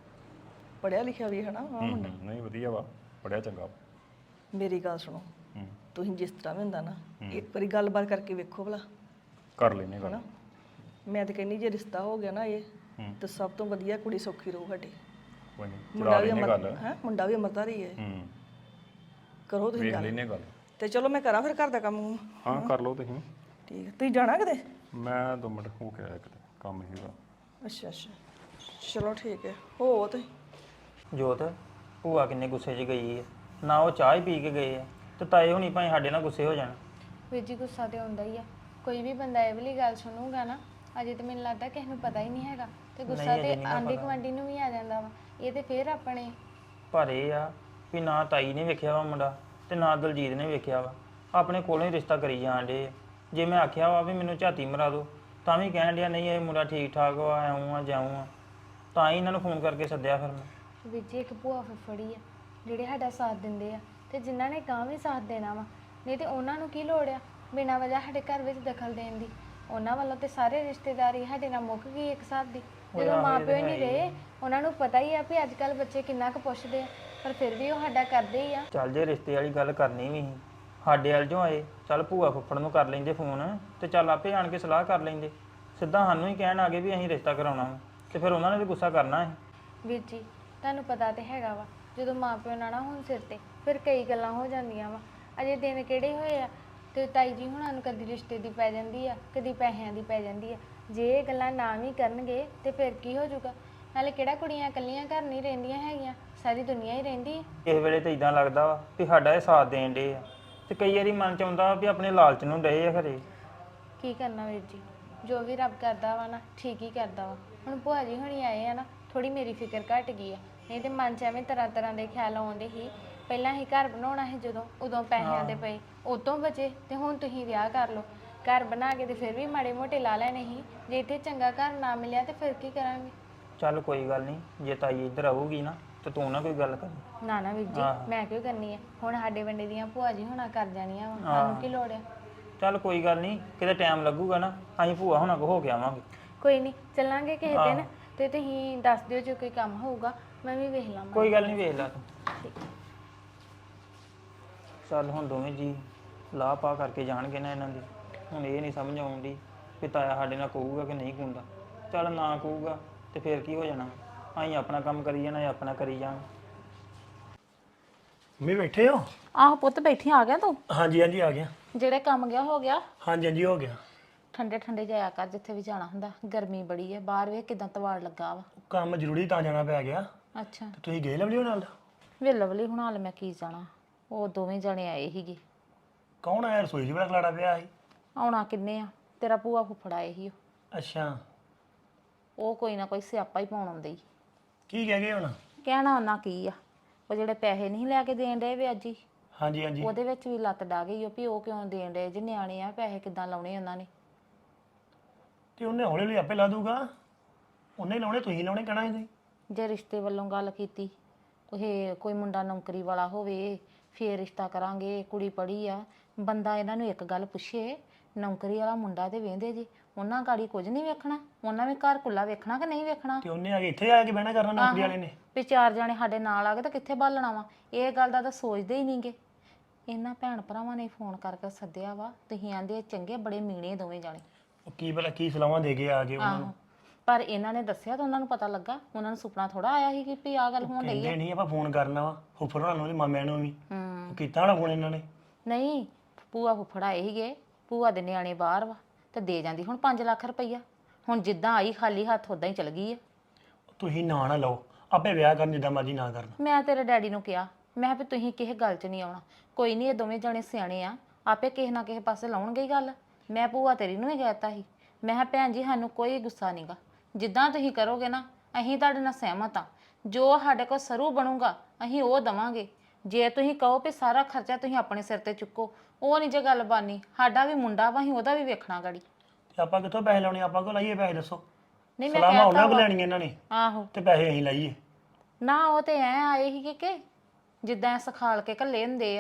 Speaker 1: ਪੜਿਆ ਲਿਖਿਆ ਵੀ ਹਨਾ। ਹਾਂ,
Speaker 4: ਹੂੰ ਹੂੰ, ਨਹੀਂ ਵਧੀਆ ਵਾ, ਪੜਿਆ ਚੰਗਾ ਵਾ।
Speaker 1: ਮੇਰੀ ਗੱਲ ਸੁਣੋ,
Speaker 4: ਹੂੰ
Speaker 1: ਤੁਸੀਂ ਜਿਸ ਤਰ੍ਹਾਂ ਵੀ ਹੁੰਦਾ ਨਾ, ਇੱਕ ਵਾਰੀ ਗੱਲਬਾਤ ਕਰਕੇ ਵੇਖੋ ਭਲਾ।
Speaker 4: ਕਰ ਲੈਨੇ ਗੱਲ।
Speaker 1: ਹਨਾ ਮੈਂ ਤਾਂ ਕਹਿੰਦੀ ਜੇ ਰਿਸ਼ਤਾ ਹੋ ਗਿਆ ਨਾ ਇਹ,
Speaker 4: ਹੂੰ
Speaker 1: ਤਾਂ ਸਭ ਤੋਂ ਵਧੀਆ ਕੁੜੀ ਸੌਖੀ ਰਹੂ ਸਾਡੀ।
Speaker 4: ਕੋਈ ਨਹੀਂ,
Speaker 1: ਮੁੰਡਾ
Speaker 4: ਚਲਾ
Speaker 1: ਵੀ
Speaker 4: ਲੈਨੇ ਗੱਲ।
Speaker 1: ਅਮਰ ਹੈ, ਮੁੰਡਾ ਵੀ ਅਮਰਦਾਰੀ ਹੈ।
Speaker 4: ਹੂੰ
Speaker 1: ਕਰੋ ਤੁਸੀਂ
Speaker 4: ਵੇਖ
Speaker 1: ਗੱਲ।
Speaker 4: ਲੈਨੇ ਗੱਲ।
Speaker 1: ਤੇ ਚਲੋ ਮੈਂ ਕਰਾਂ ਫਿਰ ਘਰ ਦਾ ਕੰਮ।
Speaker 4: ਹਾਂ ਕਰ ਲਓ ਤੁਸੀਂ।
Speaker 1: ਠੀਕ ਹੈ, ਤੁਸੀਂ ਜਾਣਾ ਕਿਤੇ?
Speaker 4: ਮੈਂ ਦੋ ਮਿੰਟ ਹੋ ਕੇ ਆਇਆ ਕਿਤੇ, ਕੰਮ ਸੀਗਾ।
Speaker 1: ਅੱਛਾ ਅੱਛਾ, ਚਲੋ ਠੀਕ ਹੈ। ਹੋ ਤੇ
Speaker 6: ਜੋਤ ਭੂਆ ਕਿੰਨੇ ਗੁੱਸੇ 'ਚ ਗਈ ਹੈ, ਨਾ ਉਹ ਚਾਹ ਹੀ ਪੀ ਕੇ ਗਏ ਆ, ਤੇ ਤਾਏ ਹੁਣੀ ਭਾਵੇਂ ਸਾਡੇ ਨਾਲ ਗੁੱਸੇ ਹੋ ਜਾਣ।
Speaker 7: ਵੀਰ ਜੀ ਗੁੱਸਾ ਤੇ ਆਉਂਦਾ ਹੀ ਆ, ਕੋਈ ਵੀ ਬੰਦਾ ਇਹ ਵਾਲੀ ਗੱਲ ਸੁਣੂਗਾ ਨਾ, ਅਜੇ ਤਾਂ ਮੈਨੂੰ ਲੱਗਦਾ ਕਿਸੇ ਨੂੰ ਪਤਾ ਹੀ ਨਹੀਂ ਹੈਗਾ, ਤੇ ਗੁੱਸਾ ਤੇ ਆਂਢੀ ਗੁਆਂਢੀ ਨੂੰ ਵੀ ਆ ਜਾਂਦਾ ਵਾ। ਇਹ ਤੇ ਫੇਰ ਆਪਣੇ
Speaker 6: ਪਰ ਇਹ ਆ ਵੀ ਨਾ ਤਾਈ ਨੇ ਵੇਖਿਆ ਵਾ ਮੁੰਡਾ, ਤੇ ਨਾ ਦਲਜੀਤ ਨੇ ਵੇਖਿਆ ਵਾ, ਆਪਣੇ ਕੋਲੋਂ ਹੀ ਰਿਸ਼ਤਾ ਕਰੀ ਜਾਣ ਡੇ। ਜੇ ਮੈਂ ਆਖਿਆ ਵਾ ਵੀ ਮੈਨੂੰ ਝਾਤੀ ਮਰਾ ਦਿਓ, ਤਾਂ ਵੀ ਕਹਿਣ ਡਿਆ ਨਹੀਂ ਇਹ ਮੁੰਡਾ ਠੀਕ ਠਾਕ ਵਾ, ਐਉਂ ਆ ਜਾਉਂ ਆ, ਤਾਂ ਹੀ ਇਹਨਾਂ ਨੂੰ ਫੋਨ ਕਰਕੇ ਸੱਦਿਆ ਫਿਰ ਮੈਂ।
Speaker 7: ਵੀਰ ਜੀ ਇੱਕ ਭੂਆ ਫੁੱਫੜੀ ਆ ਜਿਹੜੇ ਸਾਡਾ ਸਾਥ ਦਿੰਦੇ ਆ, ਤੇ ਜਿਨ੍ਹਾਂ ਨੇ ਗਾਂ ਵੀ ਸਾਥ ਦੇਣਾ ਵਾ, ਨਹੀਂ ਤੇ ਉਹਨਾਂ ਨੂੰ ਕੀ ਲੋੜ ਆ ਬਿਨਾਂ ਵਜ੍ਹਾ ਸਾਡੇ ਘਰ ਵਿੱਚ ਦਖਲ ਦੇਣ ਦੀ। ਉਹਨਾਂ ਵੱਲੋਂ ਤੇ ਸਾਰੇ ਰਿਸ਼ਤੇਦਾਰੀ ਸਾਡੇ ਨਾਲ ਮੁੱਕ ਗਈ ਇੱਕ ਹਿਸਾਬ ਦੀ, ਜਦੋਂ ਮਾਂ ਪਿਓ ਹੀ ਨਹੀਂ ਰਹੇ। ਉਹਨਾਂ ਨੂੰ ਪਤਾ ਹੀ ਆ ਵੀ ਅੱਜ ਕੱਲ੍ਹ ਬੱਚੇ ਕਿੰਨਾ ਕੁ ਪੁੱਛਦੇ ਆ, ਪਰ ਫਿਰ ਵੀ ਉਹ ਸਾਡਾ ਕਰਦੇ ਹੀ ਆ।
Speaker 6: ਚੱਲ ਜੇ ਰਿਸ਼ਤੇ ਵਾਲੀ ਗੱਲ ਕਰਨੀ ਵੀ ਸੀ, ਸਾਡੇ ਵੱਲ ਜੋ ਆਏ, ਚੱਲ ਭੂਆ ਫੁੱਫੜ ਨੂੰ ਕਰ ਲੈਂਦੇ ਫੋਨ, ਤੇ ਚੱਲ ਆਪੇ ਆਣ ਕੇ ਸਲਾਹ ਕਰ ਲੈਂਦੇ। ਸਿੱਧਾ ਸਾਨੂੰ ਹੀ ਕਹਿਣ ਆ ਗਏ ਵੀ ਅਸੀਂ ਰਿਸ਼ਤਾ ਕਰਾਉਣਾ ਵਾ, ਤੇ ਫਿਰ ਉਹਨਾਂ ਨੇ ਵੀ ਗੁੱਸਾ ਕਰਨਾ ਹੈ।
Speaker 7: ਵੀਰ ਜੀ ਤੁਹਾਨੂੰ ਪਤਾ ਤੇ ਹੈਗਾ ਵਾ, ਜਦੋਂ ਮਾਂ ਪਿਓ ਨਾ ਨਾ ਹੁਣ ਸਿਰ ਤੇ, ਫਿਰ ਕਈ ਗੱਲਾਂ ਹੋ ਜਾਂਦੀਆਂ ਵਾ। ਅਜੇ ਦਿਨ ਕਿਹੜੇ ਹੋਏ ਆ, ਤੇ ਤਾਈ ਜੀ ਹੁਣਾਂ ਨੂੰ ਕਦੀ ਰਿਸ਼ਤੇ ਦੀ ਪੈ ਜਾਂਦੀ ਆ, ਕਦੀ ਪੈਸਿਆਂ ਦੀ ਪੈ ਜਾਂਦੀ ਆ। ਜੇ ਇਹ ਗੱਲਾਂ ਨਾ ਵੀ ਕਰਨਗੇ ਤੇ ਫਿਰ ਕੀ ਹੋ ਜਾਊਗਾ? ਨਾਲੇ ਕਿਹੜਾ ਕੁੜੀਆਂ ਇਕੱਲੀਆਂ ਘਰ ਨਹੀਂ ਰਹਿੰਦੀਆਂ ਹੈਗੀਆਂ, ਸਾਰੀ ਦੁਨੀਆ ਹੀ ਰਹਿੰਦੀ ਹੈ।
Speaker 6: ਇਸ ਵੇਲੇ ਤਾਂ ਇਦਾਂ ਲੱਗਦਾ ਵਾ ਵੀ ਸਾਡਾ ਇਹ ਸਾਥ ਦੇਣ ਡੇ ਆ, ਤੇ ਕਈ ਵਾਰੀ ਮਨ ਚ ਆਉਂਦਾ ਵੀ ਆਪਣੇ ਲਾਲਚ ਨੂੰ ਡਏ ਆ ਖਰੇ।
Speaker 7: ਕੀ ਕਰਨਾ ਵੀਰ ਜੀ, ਜੋ ਵੀ ਰੱਬ ਕਰਦਾ ਵਾ ਨਾ ਠੀਕ ਹੀ ਕਰਦਾ ਵਾ। ਹੁਣ ਭੂਆ ਜੀ ਹੁਣੀ ਆਏ ਆ ਨਾ, ਥੋੜੀ ਮੇਰੀ ਫਿਕਰ ਘਟ ਗਈ ਆ, ਨਹੀਂ ਤੇ ਮਨ ਚ ਐਵੇਂ ਤਰ੍ਹਾਂ ਤਰ੍ਹਾਂ ਦੇ ਖਿਆਲ ਆਉਂਦੇ ਸੀ। ਪਹਿਲਾਂ ਹੀ ਘਰ ਬਣਾਉਣਾ ਸੀ ਜਦੋਂ, ਉਦੋਂ ਪੈਸਿਆਂ ਦੇ ਪਏ, ਉਤੋਂ ਬਚੇ, ਤੇ ਹੁਣ ਤੁਸੀਂ ਵਿਆਹ ਕਰ ਲਓ। ਘਰ ਬਣਾ ਕੇ ਤੇ ਫਿਰ ਵੀ ਮਾੜੇ ਮੋਟੇ ਲਾ ਲੈਣੇ ਸੀ, ਜੇ ਇੱਥੇ ਚੰਗਾ ਘਰ ਨਾ ਮਿਲਿਆ ਤੇ ਫਿਰ ਕੀ ਕਰਾਂਗੇ?
Speaker 6: ਚੱਲ ਕੋਈ ਗੱਲ ਨਹੀਂ, ਜੇ ਤਾਈ ਇੱਧਰ ਆਊਗੀ ਨਾ ਤੇ ਤੂੰ ਨਾ ਕੋਈ ਗੱਲ ਕਰੀ।
Speaker 7: ਨਾ ਨਾ ਵੀਰ ਜੀ, ਮੈਂ ਕਿਉਂ ਕਰਨੀ ਆ? ਹੁਣ ਸਾਡੇ ਵੰਡੇ ਦੀਆਂ ਭੂਆ ਜੀ ਹੁਣਾ ਕਰ ਜਾਣੀਆਂ ਵਾ, ਸਾਨੂੰ ਕੀ ਲੋੜ ਆ?
Speaker 6: ਚੱਲ ਕੋਈ ਗੱਲ ਨਹੀਂ, ਕਿਤੇ ਟਾਈਮ ਲੱਗੂਗਾ ਨਾ ਅਸੀਂ ਭੂਆ ਹੁਣਾਂ ਕੋ ਹੋ ਕੇ ਆਵਾਂਗੇ।
Speaker 7: ਕੋਈ ਨਹੀਂ, ਚੱਲਾਂਗੇ ਕਿਸੇ ਦਿਨ ਤੇ ਤੁਸੀਂ ਦੱਸ ਦਿਓ ਜੇ ਕੋਈ ਕੰਮ ਹੋਊਗਾ, ਮੈਂ ਵੀ ਵੇਖ ਲਵਾਂ।
Speaker 6: ਕੋਈ ਗੱਲ ਨਹੀਂ, ਵੇਖ ਲੈ ਤੂੰ। ਚੱਲ ਹੁਣ ਦੋਵੇਂ ਜੀ ਲਾਹ ਪਾ ਕਰਕੇ ਜਾਣਗੇ ਨਾ ਇਹਨਾਂ ਦੀ। ਹੁਣ ਇਹ ਨਹੀਂ ਸਮਝ ਆਉਂਦੀ ਵੀ ਤਾਇਆ ਸਾਡੇ ਨਾਲ ਕਹੂਗਾ ਕਿ ਨਹੀਂ ਕਹੂੰਦਾ। ਚੱਲ ਨਾ ਕਹੂਗਾ ਤੇ ਫੇਰ ਕੀ ਹੋ ਜਾਣਾ, ਅਸੀਂ ਆਪਣਾ ਕੰਮ ਕਰੀ ਜਾਣਾ, ਇਹ ਆਪਣਾ ਕਰੀ ਜਾਣ।
Speaker 5: ਮੰਮੀ ਬੈਠੇ ਹੋ?
Speaker 8: ਆਹ ਪੁੱਤ ਬੈਠੀ ਆ ਗਿਆ ਤੂੰ?
Speaker 5: ਹਾਂਜੀ ਹਾਂਜੀ ਆ ਗਿਆ।
Speaker 8: ਜਿਹੜੇ ਕੰਮ ਗਿਆ ਹੋ ਗਿਆ।
Speaker 5: ਹਾਂਜੀ ਹਾਂਜੀ ਹੋ ਗਿਆ।
Speaker 8: ਠੰਡੇ ਠੰਡੇ ਜਾਇਆ ਕਰ ਜਿੱਥੇ ਵੀ ਜਾਣਾ ਹੁੰਦਾ, ਗਰਮੀ ਬੜੀ ਹੈ ਬਾਹਰ, ਵੇਖ ਕਿਦਾਂ ਤਵਾੜ ਲੱਗਾ ਵਾ।
Speaker 5: ਕੰਮ ਜ਼ਰੂਰੀ ਤਾਂ ਜਾਣਾ ਪੈ ਗਿਆ।
Speaker 8: ਅੱਛਾ,
Speaker 5: ਤੇ ਤੁਸੀਂ ਗਏ ਲਵਲੀ ਨਾਲ?
Speaker 8: ਵੇ ਲਵਲੀ ਹੁਣ ਹਾਲ ਮੈਂ ਕੀ ਜਾਣਾ, ਉਹ ਦੋਵੇਂ ਜਣੇ ਆਏ ਸੀਗੇ।
Speaker 5: ਕੌਣ ਆਇਆ? ਰਸੋਈ 'ਚ ਬੜਾ ਖਲਾੜਾ ਪਿਆ ਸੀ।
Speaker 8: ਆਉਣਾ ਕਿੰਨੇ ਆ, ਤੇਰਾ ਭੂਆ ਫੁੱਫੜ ਆਏ ਸੀ ਉਹ।
Speaker 5: ਅੱਛਾ,
Speaker 8: ਉਹ ਕੋਈ ਨਾ ਕੋਈ ਸਿਆਪਾ ਹੀ ਪਾਉਣ ਆਉਂਦੇ ਈ।
Speaker 5: ਕੀ ਕਹਿ ਗਏ ਹੁਣ?
Speaker 8: ਕਹਿਣਾ ਉਹਨਾਂ ਕੀ ਆ, ਉਹ ਜਿਹੜੇ ਪੈਸੇ ਨਹੀਂ ਲੈ ਕੇ ਦੇਣ ਡਏ ਵੇ ਅੱਜ ਹੀ,
Speaker 5: ਹਾਂਜੀ ਹਾਂਜੀ।
Speaker 8: ਉਹਦੇ ਵਿੱਚ ਵੀ ਲੱਤ ਡਾ ਗਈ ਉਹ ਵੀ ਉਹ ਕਿਉਂ ਦੇਣ ਡਏ ਜੇ ਨਿਆਣੇ ਆ, ਪੈਸੇ ਕਿੱਦਾਂ ਲਾਉਣੇ ਉਹਨਾਂ ਨੇ।
Speaker 5: ਤੇ ਉਹਨੇ ਹੌਲੀ ਹੌਲੀ ਆਪੇ ਲਾ ਦੂਗਾ। ਉਹਨੇ ਲਾਉਣੇ, ਤੁਸੀਂ ਲਾਉਣੇ ਕਹਿਣਾ ਸੀ ਤੁਸੀਂ।
Speaker 8: ਜੇ ਰਿਸ਼ਤੇ ਵੱਲੋਂ ਗੱਲ ਕੀਤੀ, ਕੋਈ ਕੋਈ ਮੁੰਡਾ ਨੌਕਰੀ ਵਾਲਾ ਹੋਵੇ ਫੇਰ ਰਿਸ਼ਤਾ ਕਰਾਂਗੇ, ਕੁੜੀ ਪੜ੍ਹੀ ਆ। ਬੰਦਾ ਇਹਨਾਂ ਨੂੰ ਇੱਕ ਗੱਲ ਪੁੱਛੇ, ਨੌਕਰੀ ਵਾਲਾ ਮੁੰਡਾ ਤੇ ਵੇਂਦੇ ਜੀ, ਉਹਨਾਂ ਗਾੜੀ ਕੁਝ ਨਹੀਂ ਵੇਖਣਾ, ਉਹਨਾਂ ਵੀ ਘਰ ਕੁੱਲਾ ਵੇਖਣਾ ਕਿ ਨਹੀਂ ਵੇਖਣਾ।
Speaker 5: ਤੇ ਉਹਨੇ ਆ ਕੇ ਇੱਥੇ ਆ ਕੇ ਬਹਿਣਾ ਕਰਨਾ ਨੌਕਰੀ ਵਾਲੇ ਨੇ।
Speaker 8: ਵੀ ਚਾਰ ਜਾਣੇ ਸਾਡੇ ਨਾਲ ਆ ਗਏ ਤਾਂ ਕਿੱਥੇ ਬਾਲਣਾ ਵਾ, ਇਹ ਗੱਲ ਦਾ ਤਾਂ ਸੋਚਦੇ ਹੀ ਨਹੀਂਗੇ। ਇਹਨਾਂ ਭੈਣ ਭਰਾਵਾਂ ਨੇ ਫੋਨ ਕਰਕੇ ਸੱਦਿਆ ਵਾ, ਤੁਸੀਂ ਆਂਦੇ ਚੰਗੇ ਬੜੇ ਮੀਣੇ ਦੋਵੇਂ ਜਾਣੇ।
Speaker 5: ਉਹ ਕੀ ਭਲਾ ਕੀ ਸਲਾਹਾਂ ਦੇ ਕੇ ਆ ਗਏ ਉਹਨਾਂ ਨੂੰ?
Speaker 8: ਆਹੋ, ਪਰ ਇਹਨਾਂ ਨੇ ਦੱਸਿਆ ਤਾਂ ਉਹਨਾਂ ਨੂੰ ਪਤਾ ਲੱਗਾ, ਉਹਨਾਂ ਨੂੰ ਸੁਪਨਾ ਥੋੜਾ ਆਇਆ ਸੀ ਕਿ ਵੀ ਆਹ ਗੱਲ ਹੋਣ ਡਈ
Speaker 5: ਕਹਿੰਦੇ ਨਹੀਂ ਆਪਾਂ ਫੋਨ ਕਰਨਾ ਵਾ ਫੁੱਫੜ ਹੋਣਾ ਨੂੰ, ਮਾਮਿਆਂ ਨੂੰ ਵੀ।
Speaker 8: ਹੂੰ,
Speaker 5: ਕੀਤਾ ਹੋਣਾ ਫੋਨ ਇਹਨਾਂ ਨੇ।
Speaker 8: ਨਹੀਂ ਭੂਆ ਫੁੱਫੜ ਆਏ ਸੀਗੇ, ਭੂਆ ਦੇ ਨਿਆਣੇ ਬਾਹਰ ਵਾ ਤੇ ਦੇ ਜਾਂਦੀ ਹੁਣ ਪੰਜ ਲੱਖ ਰੁਪਈਆ। ਹੁਣ ਜਿੱਦਾਂ ਆਈ ਖਾਲੀ ਹੱਥ ਉਦਾਂ ਹੀ ਚਲ ਗਈ ਆ।
Speaker 5: ਤੁਸੀਂ ਨਾ ਨਾ ਲਓ, ਆਪੇ ਵਿਆਹ ਕਰਨ ਜਿੱਦਾਂ ਮਰਜ਼ੀ ਨਾ ਕਰਨ।
Speaker 8: ਮੈਂ ਤੇਰੇ ਡੈਡੀ ਨੂੰ ਕਿਹਾ, ਮੈਂ ਕਿਹਾ ਵੀ ਤੁਸੀਂ ਕਿਸੇ ਗੱਲ 'ਚ ਨਹੀਂ ਆਉਣਾ, ਕੋਈ ਨਹੀਂ ਇਹ ਦੋਵੇਂ ਜਣੇ ਸਿਆਣੇ ਆ, ਆਪੇ ਕਿਸੇ ਨਾ ਕਿਸੇ ਪਾਸੇ ਲਾਉਣਗੇ ਹੀ ਗੱਲ। ਮੈਂ ਭੂਆ ਤੇਰੀ ਨੂੰ ਵੀ ਕਹਿਤਾ ਸੀ, ਮੈਂ ਕਿਹਾ ਭੈਣ ਜੀ ਸਾਨੂੰ ਕੋਈ ਗੁੱਸਾ ਨਹੀਂਗਾ, ਜਿੱਦਾਂ ਤੁਸੀਂ ਕਰੋਗੇ ਨਾ ਅਸੀਂ ਤੁਹਾਡੇ ਨਾਲ ਸਹਿਮਤ ਆ, ਜੋ ਸਾਡੇ ਕੋਲ ਸਰੂ ਬਣੂਗਾ ਅਸੀਂ ਉਹ ਦਵਾਂਗੇ। ਜੇ ਤੁਸੀਂ ਕਹੋ ਵੀ ਸਾਰਾ ਖਰਚਾ ਤੁਸੀਂ ਆਪਣੇ ਸਿਰ ਤੇ ਚੁੱਕੋ, ਉਹ ਨਹੀਂ ਜੇ ਗੱਲ ਬਾਨੀ। ਸਾਡਾ ਵੀ ਮੁੰਡਾ ਵਾ, ਅਸੀਂ ਉਹਦਾ ਵੀ ਵੇਖਣਾ ਗਾੜੀ।
Speaker 5: ਤੇ ਆਪਾਂ ਕਿੱਥੋਂ ਪੈਸੇ ਲਾਉਣੇ? ਆਪਾਂ ਕੋਲ ਲਾਈਏ ਪੈਸੇ ਦੱਸੋ?
Speaker 8: ਨਹੀਂ ਮੈਂ
Speaker 5: ਸਲਾਹਾਂ ਉਹਨਾਂ
Speaker 8: ਕਹਿਤਾ
Speaker 5: ਕੋਲ
Speaker 8: ਵਾ।
Speaker 5: ਲੈਣੀਆਂ ਇਹਨਾਂ ਨੇ
Speaker 8: ਆਹੋ,
Speaker 5: ਤੇ ਪੈਸੇ ਅਸੀਂ ਲਾਈਏ।
Speaker 8: ਨਾ ਉਹ ਤੇ ਐ ਆਏ ਸੀਗੇ ਕਿ ਜਿੱਦਾਂ ਸਿਖਾਲ ਕੇ ਘੱਲੇ ਹੁੰਦੇ ਆ।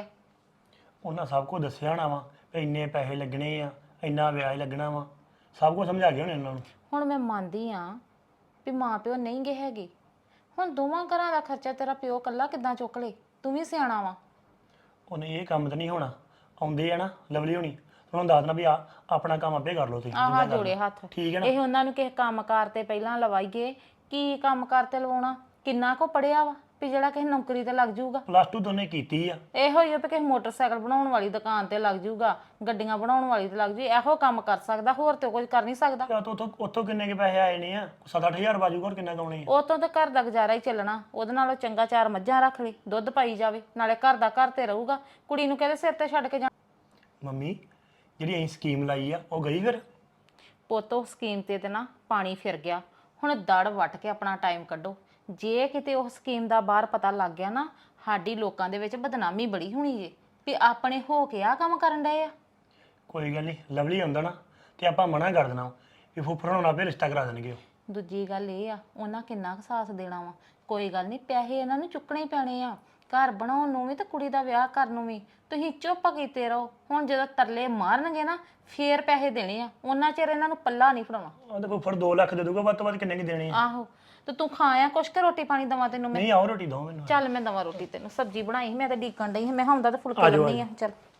Speaker 5: ਉਹਨਾਂ ਸਭ ਕੁਝ ਦੱਸਿਆ ਹੋਣਾ ਵਾ ਵੀ ਇੰਨੇ ਪੈਸੇ ਲੱਗਣੇ ਆ, ਇੰਨਾ ਵਿਆਜ ਲੱਗਣਾ ਵਾ, ਸਭ ਕੁਝ ਸਮਝਾ ਗਏ ਹੋਣੇ ਉਹਨਾਂ ਨੂੰ।
Speaker 8: ਹੁਣ ਮੈਂ ਮੰਨਦੀ ਆ ਵੀ ਮਾਂ ਪਿਓ ਨਹੀਂ ਗਏ ਹੈਗੇ, ਹੁਣ ਦੋਵਾਂ ਘਰਾਂ ਦਾ ਖਰਚਾ ਤੇਰਾ ਪਿਓ ਕੱਲਾ ਕਿੱਦਾਂ ਚੁੱਕ ਲੇ? ਤੂੰ ਵੀ ਸਿਆਣਾ ਵਾ।
Speaker 5: ਉਹਨੇ ਇਹ ਕੰਮ ਤਾਂ ਨਹੀਂ ਹੋਣਾ। ਆਉਂਦੇ ਆ ਨਾ ਲਵਲੀ ਹੋਣੀ, ਤੁਹਾਨੂੰ ਦੱਸ ਦੇਣਾ ਵੀ ਆ ਆਪਣਾ ਕੰਮ ਆਪੇ ਕਰ ਲਓ ਤੁਸੀਂ।
Speaker 8: ਆਹ
Speaker 5: ਜਿੱਦਾਂ ਕਰਨਾ।
Speaker 8: ਜੋੜੇ ਹੱਥ।
Speaker 5: ਠੀਕ ਹੈ ਨਾ?
Speaker 8: ਇਹ ਉਹਨਾਂ ਨੂੰ ਕਿਸੇ ਕੰਮਕਾਰ ਤੇ ਪਹਿਲਾਂ ਲਵਾਈਏ, ਕੀ ਕੰਮਕਾਰ ਤੇ ਲਵਾਉਣਾ? ਕਿੰਨਾ ਕੋ ਪੜਿਆ ਵਾ ਵੀ ਜਿਹੜਾ ਕਿਸੇ ਨੌਕਰੀ ਤੇ ਲੱਗ ਜਾਊਗਾ?
Speaker 5: ਪਲੱਸ ਟੂ ਦੋਨੇ ਕੀਤੀ ਆ।
Speaker 8: ਇਹੋ ਹੀ ਆ ਵੀ ਕਿਸੇ ਮੋਟਰਸਾਈਕਲ ਬਣਾਉਣ ਵਾਲੀ ਦੁਕਾਨ ਤੇ ਲੱਗ ਜਾਊਗਾ, ਗੱਡੀਆਂ ਬਣਾਉਣ ਵਾਲੀ ਤੇ ਲੱਗ ਜੂ, ਇਹੋ ਕੰਮ ਕਰ ਸਕਦਾ, ਹੋਰ ਤੇ ਕੁਝ ਕਰ ਨਹੀਂ ਸਕਦਾ।
Speaker 5: ਜਾਂ ਤਾਂ ਉੱਥੋਂ ਉੱਥੋਂ ਕਿੰਨੇ ਕੇ ਪੈਸੇ ਆਏ ਨੇ ਆ? ਸੱਤ ਅੱਠ ਹਜ਼ਾਰ ਬਾਜੂ ਹੋਰ ਕਿੰਨਾ ਕਮਾਉਣੇ ਆ?
Speaker 8: ਉਹ ਤੋਂ ਤਾਂ ਘਰ ਦਾ ਗੁਜ਼ਾਰਾ ਹੀ ਚੱਲਣਾ, ਉਹਦੇ ਨਾਲੋਂ ਚੰਗਾ ਚਾਰ ਮੱਝਾਂ ਰੱਖ ਲਈ, ਦੁੱਧ ਪਾਈ ਜਾਵੇ, ਨਾਲੇ ਘਰ ਦਾ ਘਰ ਤੇ ਰਹੂਗਾ। ਕੁੜੀ ਨੂੰ ਕਹਿੰਦੇ ਸਿਰ ਤੇ ਛੱਡ ਕੇ ਜਾ।
Speaker 5: ਮੰਮੀ ਜਿਹੜੀ ਅਸੀਂ ਸਕੀਮ ਲਾਈ ਆ ਉਹ ਗਈ ਫਿਰ?
Speaker 8: ਪੁੱਤ ਉਹ ਸਕੀਮ ਤੇ ਤੇ ਨਾ ਪਾਣੀ ਫਿਰ ਗਿਆ। ਹੁਣ ਦੜ ਵੱਟ ਕੇ ਆਪਣਾ ਟਾਈਮ ਕੱਢੋ। ਜੇ ਕਿਤੇ ਉਹ ਸਕੀਮ ਦਾ ਬਾਹਰ ਪਤਾ ਲੱਗ ਗਿਆ ਨਾ, ਸਾਡੀ ਲੋਕਾਂ ਦੇ ਵਿੱਚ ਬਦਨਾਮੀ ਬੜੀ ਹੋਣੀ ਜੇ ਵੀ ਆਪਣੇ ਹੋ ਕੇ ਆ ਕੰਮ ਕਰਨ ਡਏ ਆ।
Speaker 5: ਕੋਈ ਗੱਲ ਨਹੀਂ, ਲਵਲੀ ਆਉਂਦਾ ਨਾ ਤੇ ਆਪਾਂ ਮਨਾ ਕਰ ਦੇਣਾ ਵੀ ਫੁੱਫੜ ਹੋਣਾ ਆਪੇ ਰਿਸ਼ਤਾ ਕਰਾ ਦੇਣਗੇ ਉਹ।
Speaker 8: ਦੂਜੀ ਗੱਲ ਇਹ ਆ, ਉਹਨਾਂ ਕਿੰਨਾ ਕੁ ਸਾਥ ਦੇਣਾ ਵਾ। ਕੋਈ ਗੱਲ ਨਹੀਂ, ਪੈਸੇ ਇਹਨਾਂ ਨੂੰ ਚੁੱਕਣੇ ਹੀ ਪੈਣੇ ਆ, ਘਰ ਬਣਾਉਣ ਨੂੰ ਵੀ ਤੇ ਕੁੜੀ ਦਾ ਵਿਆਹ ਕਰਨ ਨੂੰ ਵੀ। ਤੁਸੀਂ ਚੁੱਪ ਕੀਤੇ ਰਹੋ, ਹੁਣ ਜਦੋਂ ਤਰਲੇ ਮਾਰਨਗੇ ਨਾ ਫੇਰ ਪੈਸੇ ਦੇਣੇ ਆ, ਉਹਨਾਂ ਚਿਰ ਇਹਨਾਂ ਨੂੰ ਪੱਲਾ ਨਹੀਂ ਫੜਾਉਣਾ।
Speaker 5: ਉਹ ਤੇ ਫੁੱਫੜ ਦੋ ਲੱਖ ਦੇ ਦੂਗਾ, ਵੱਧ ਤੋਂ ਵੱਧ ਕਿੰਨੇ ਕੀ ਦੇਣੇ ਆ?
Speaker 8: ਆਹੋ, ਤੇ ਤੂੰ ਖਾਇਆ ਕੁਛ ਕਿ ਰੋਟੀ ਪਾਣੀ ਦਵਾਂ ਤੈਨੂੰ ਮੈਂ?
Speaker 5: ਨਹੀਂ ਆਓ ਰੋਟੀ ਦੋ ਮੈਨੂੰ।
Speaker 8: ਚੱਲ ਮੈਂ ਦਵਾਂ ਰੋਟੀ ਤੈਨੂੰ, ਸਬਜ਼ੀ ਬਣਾਈ ਸੀ ਮੈਂ ਤਾਂ ਡੀਕਣ ਡਈ ਸੀ, ਮੈਂ ਹੁੰਦਾ ਤਾਂ ਫੁਲਕੇ ਲਾਉਣੀ ਆ। ਚੱਲ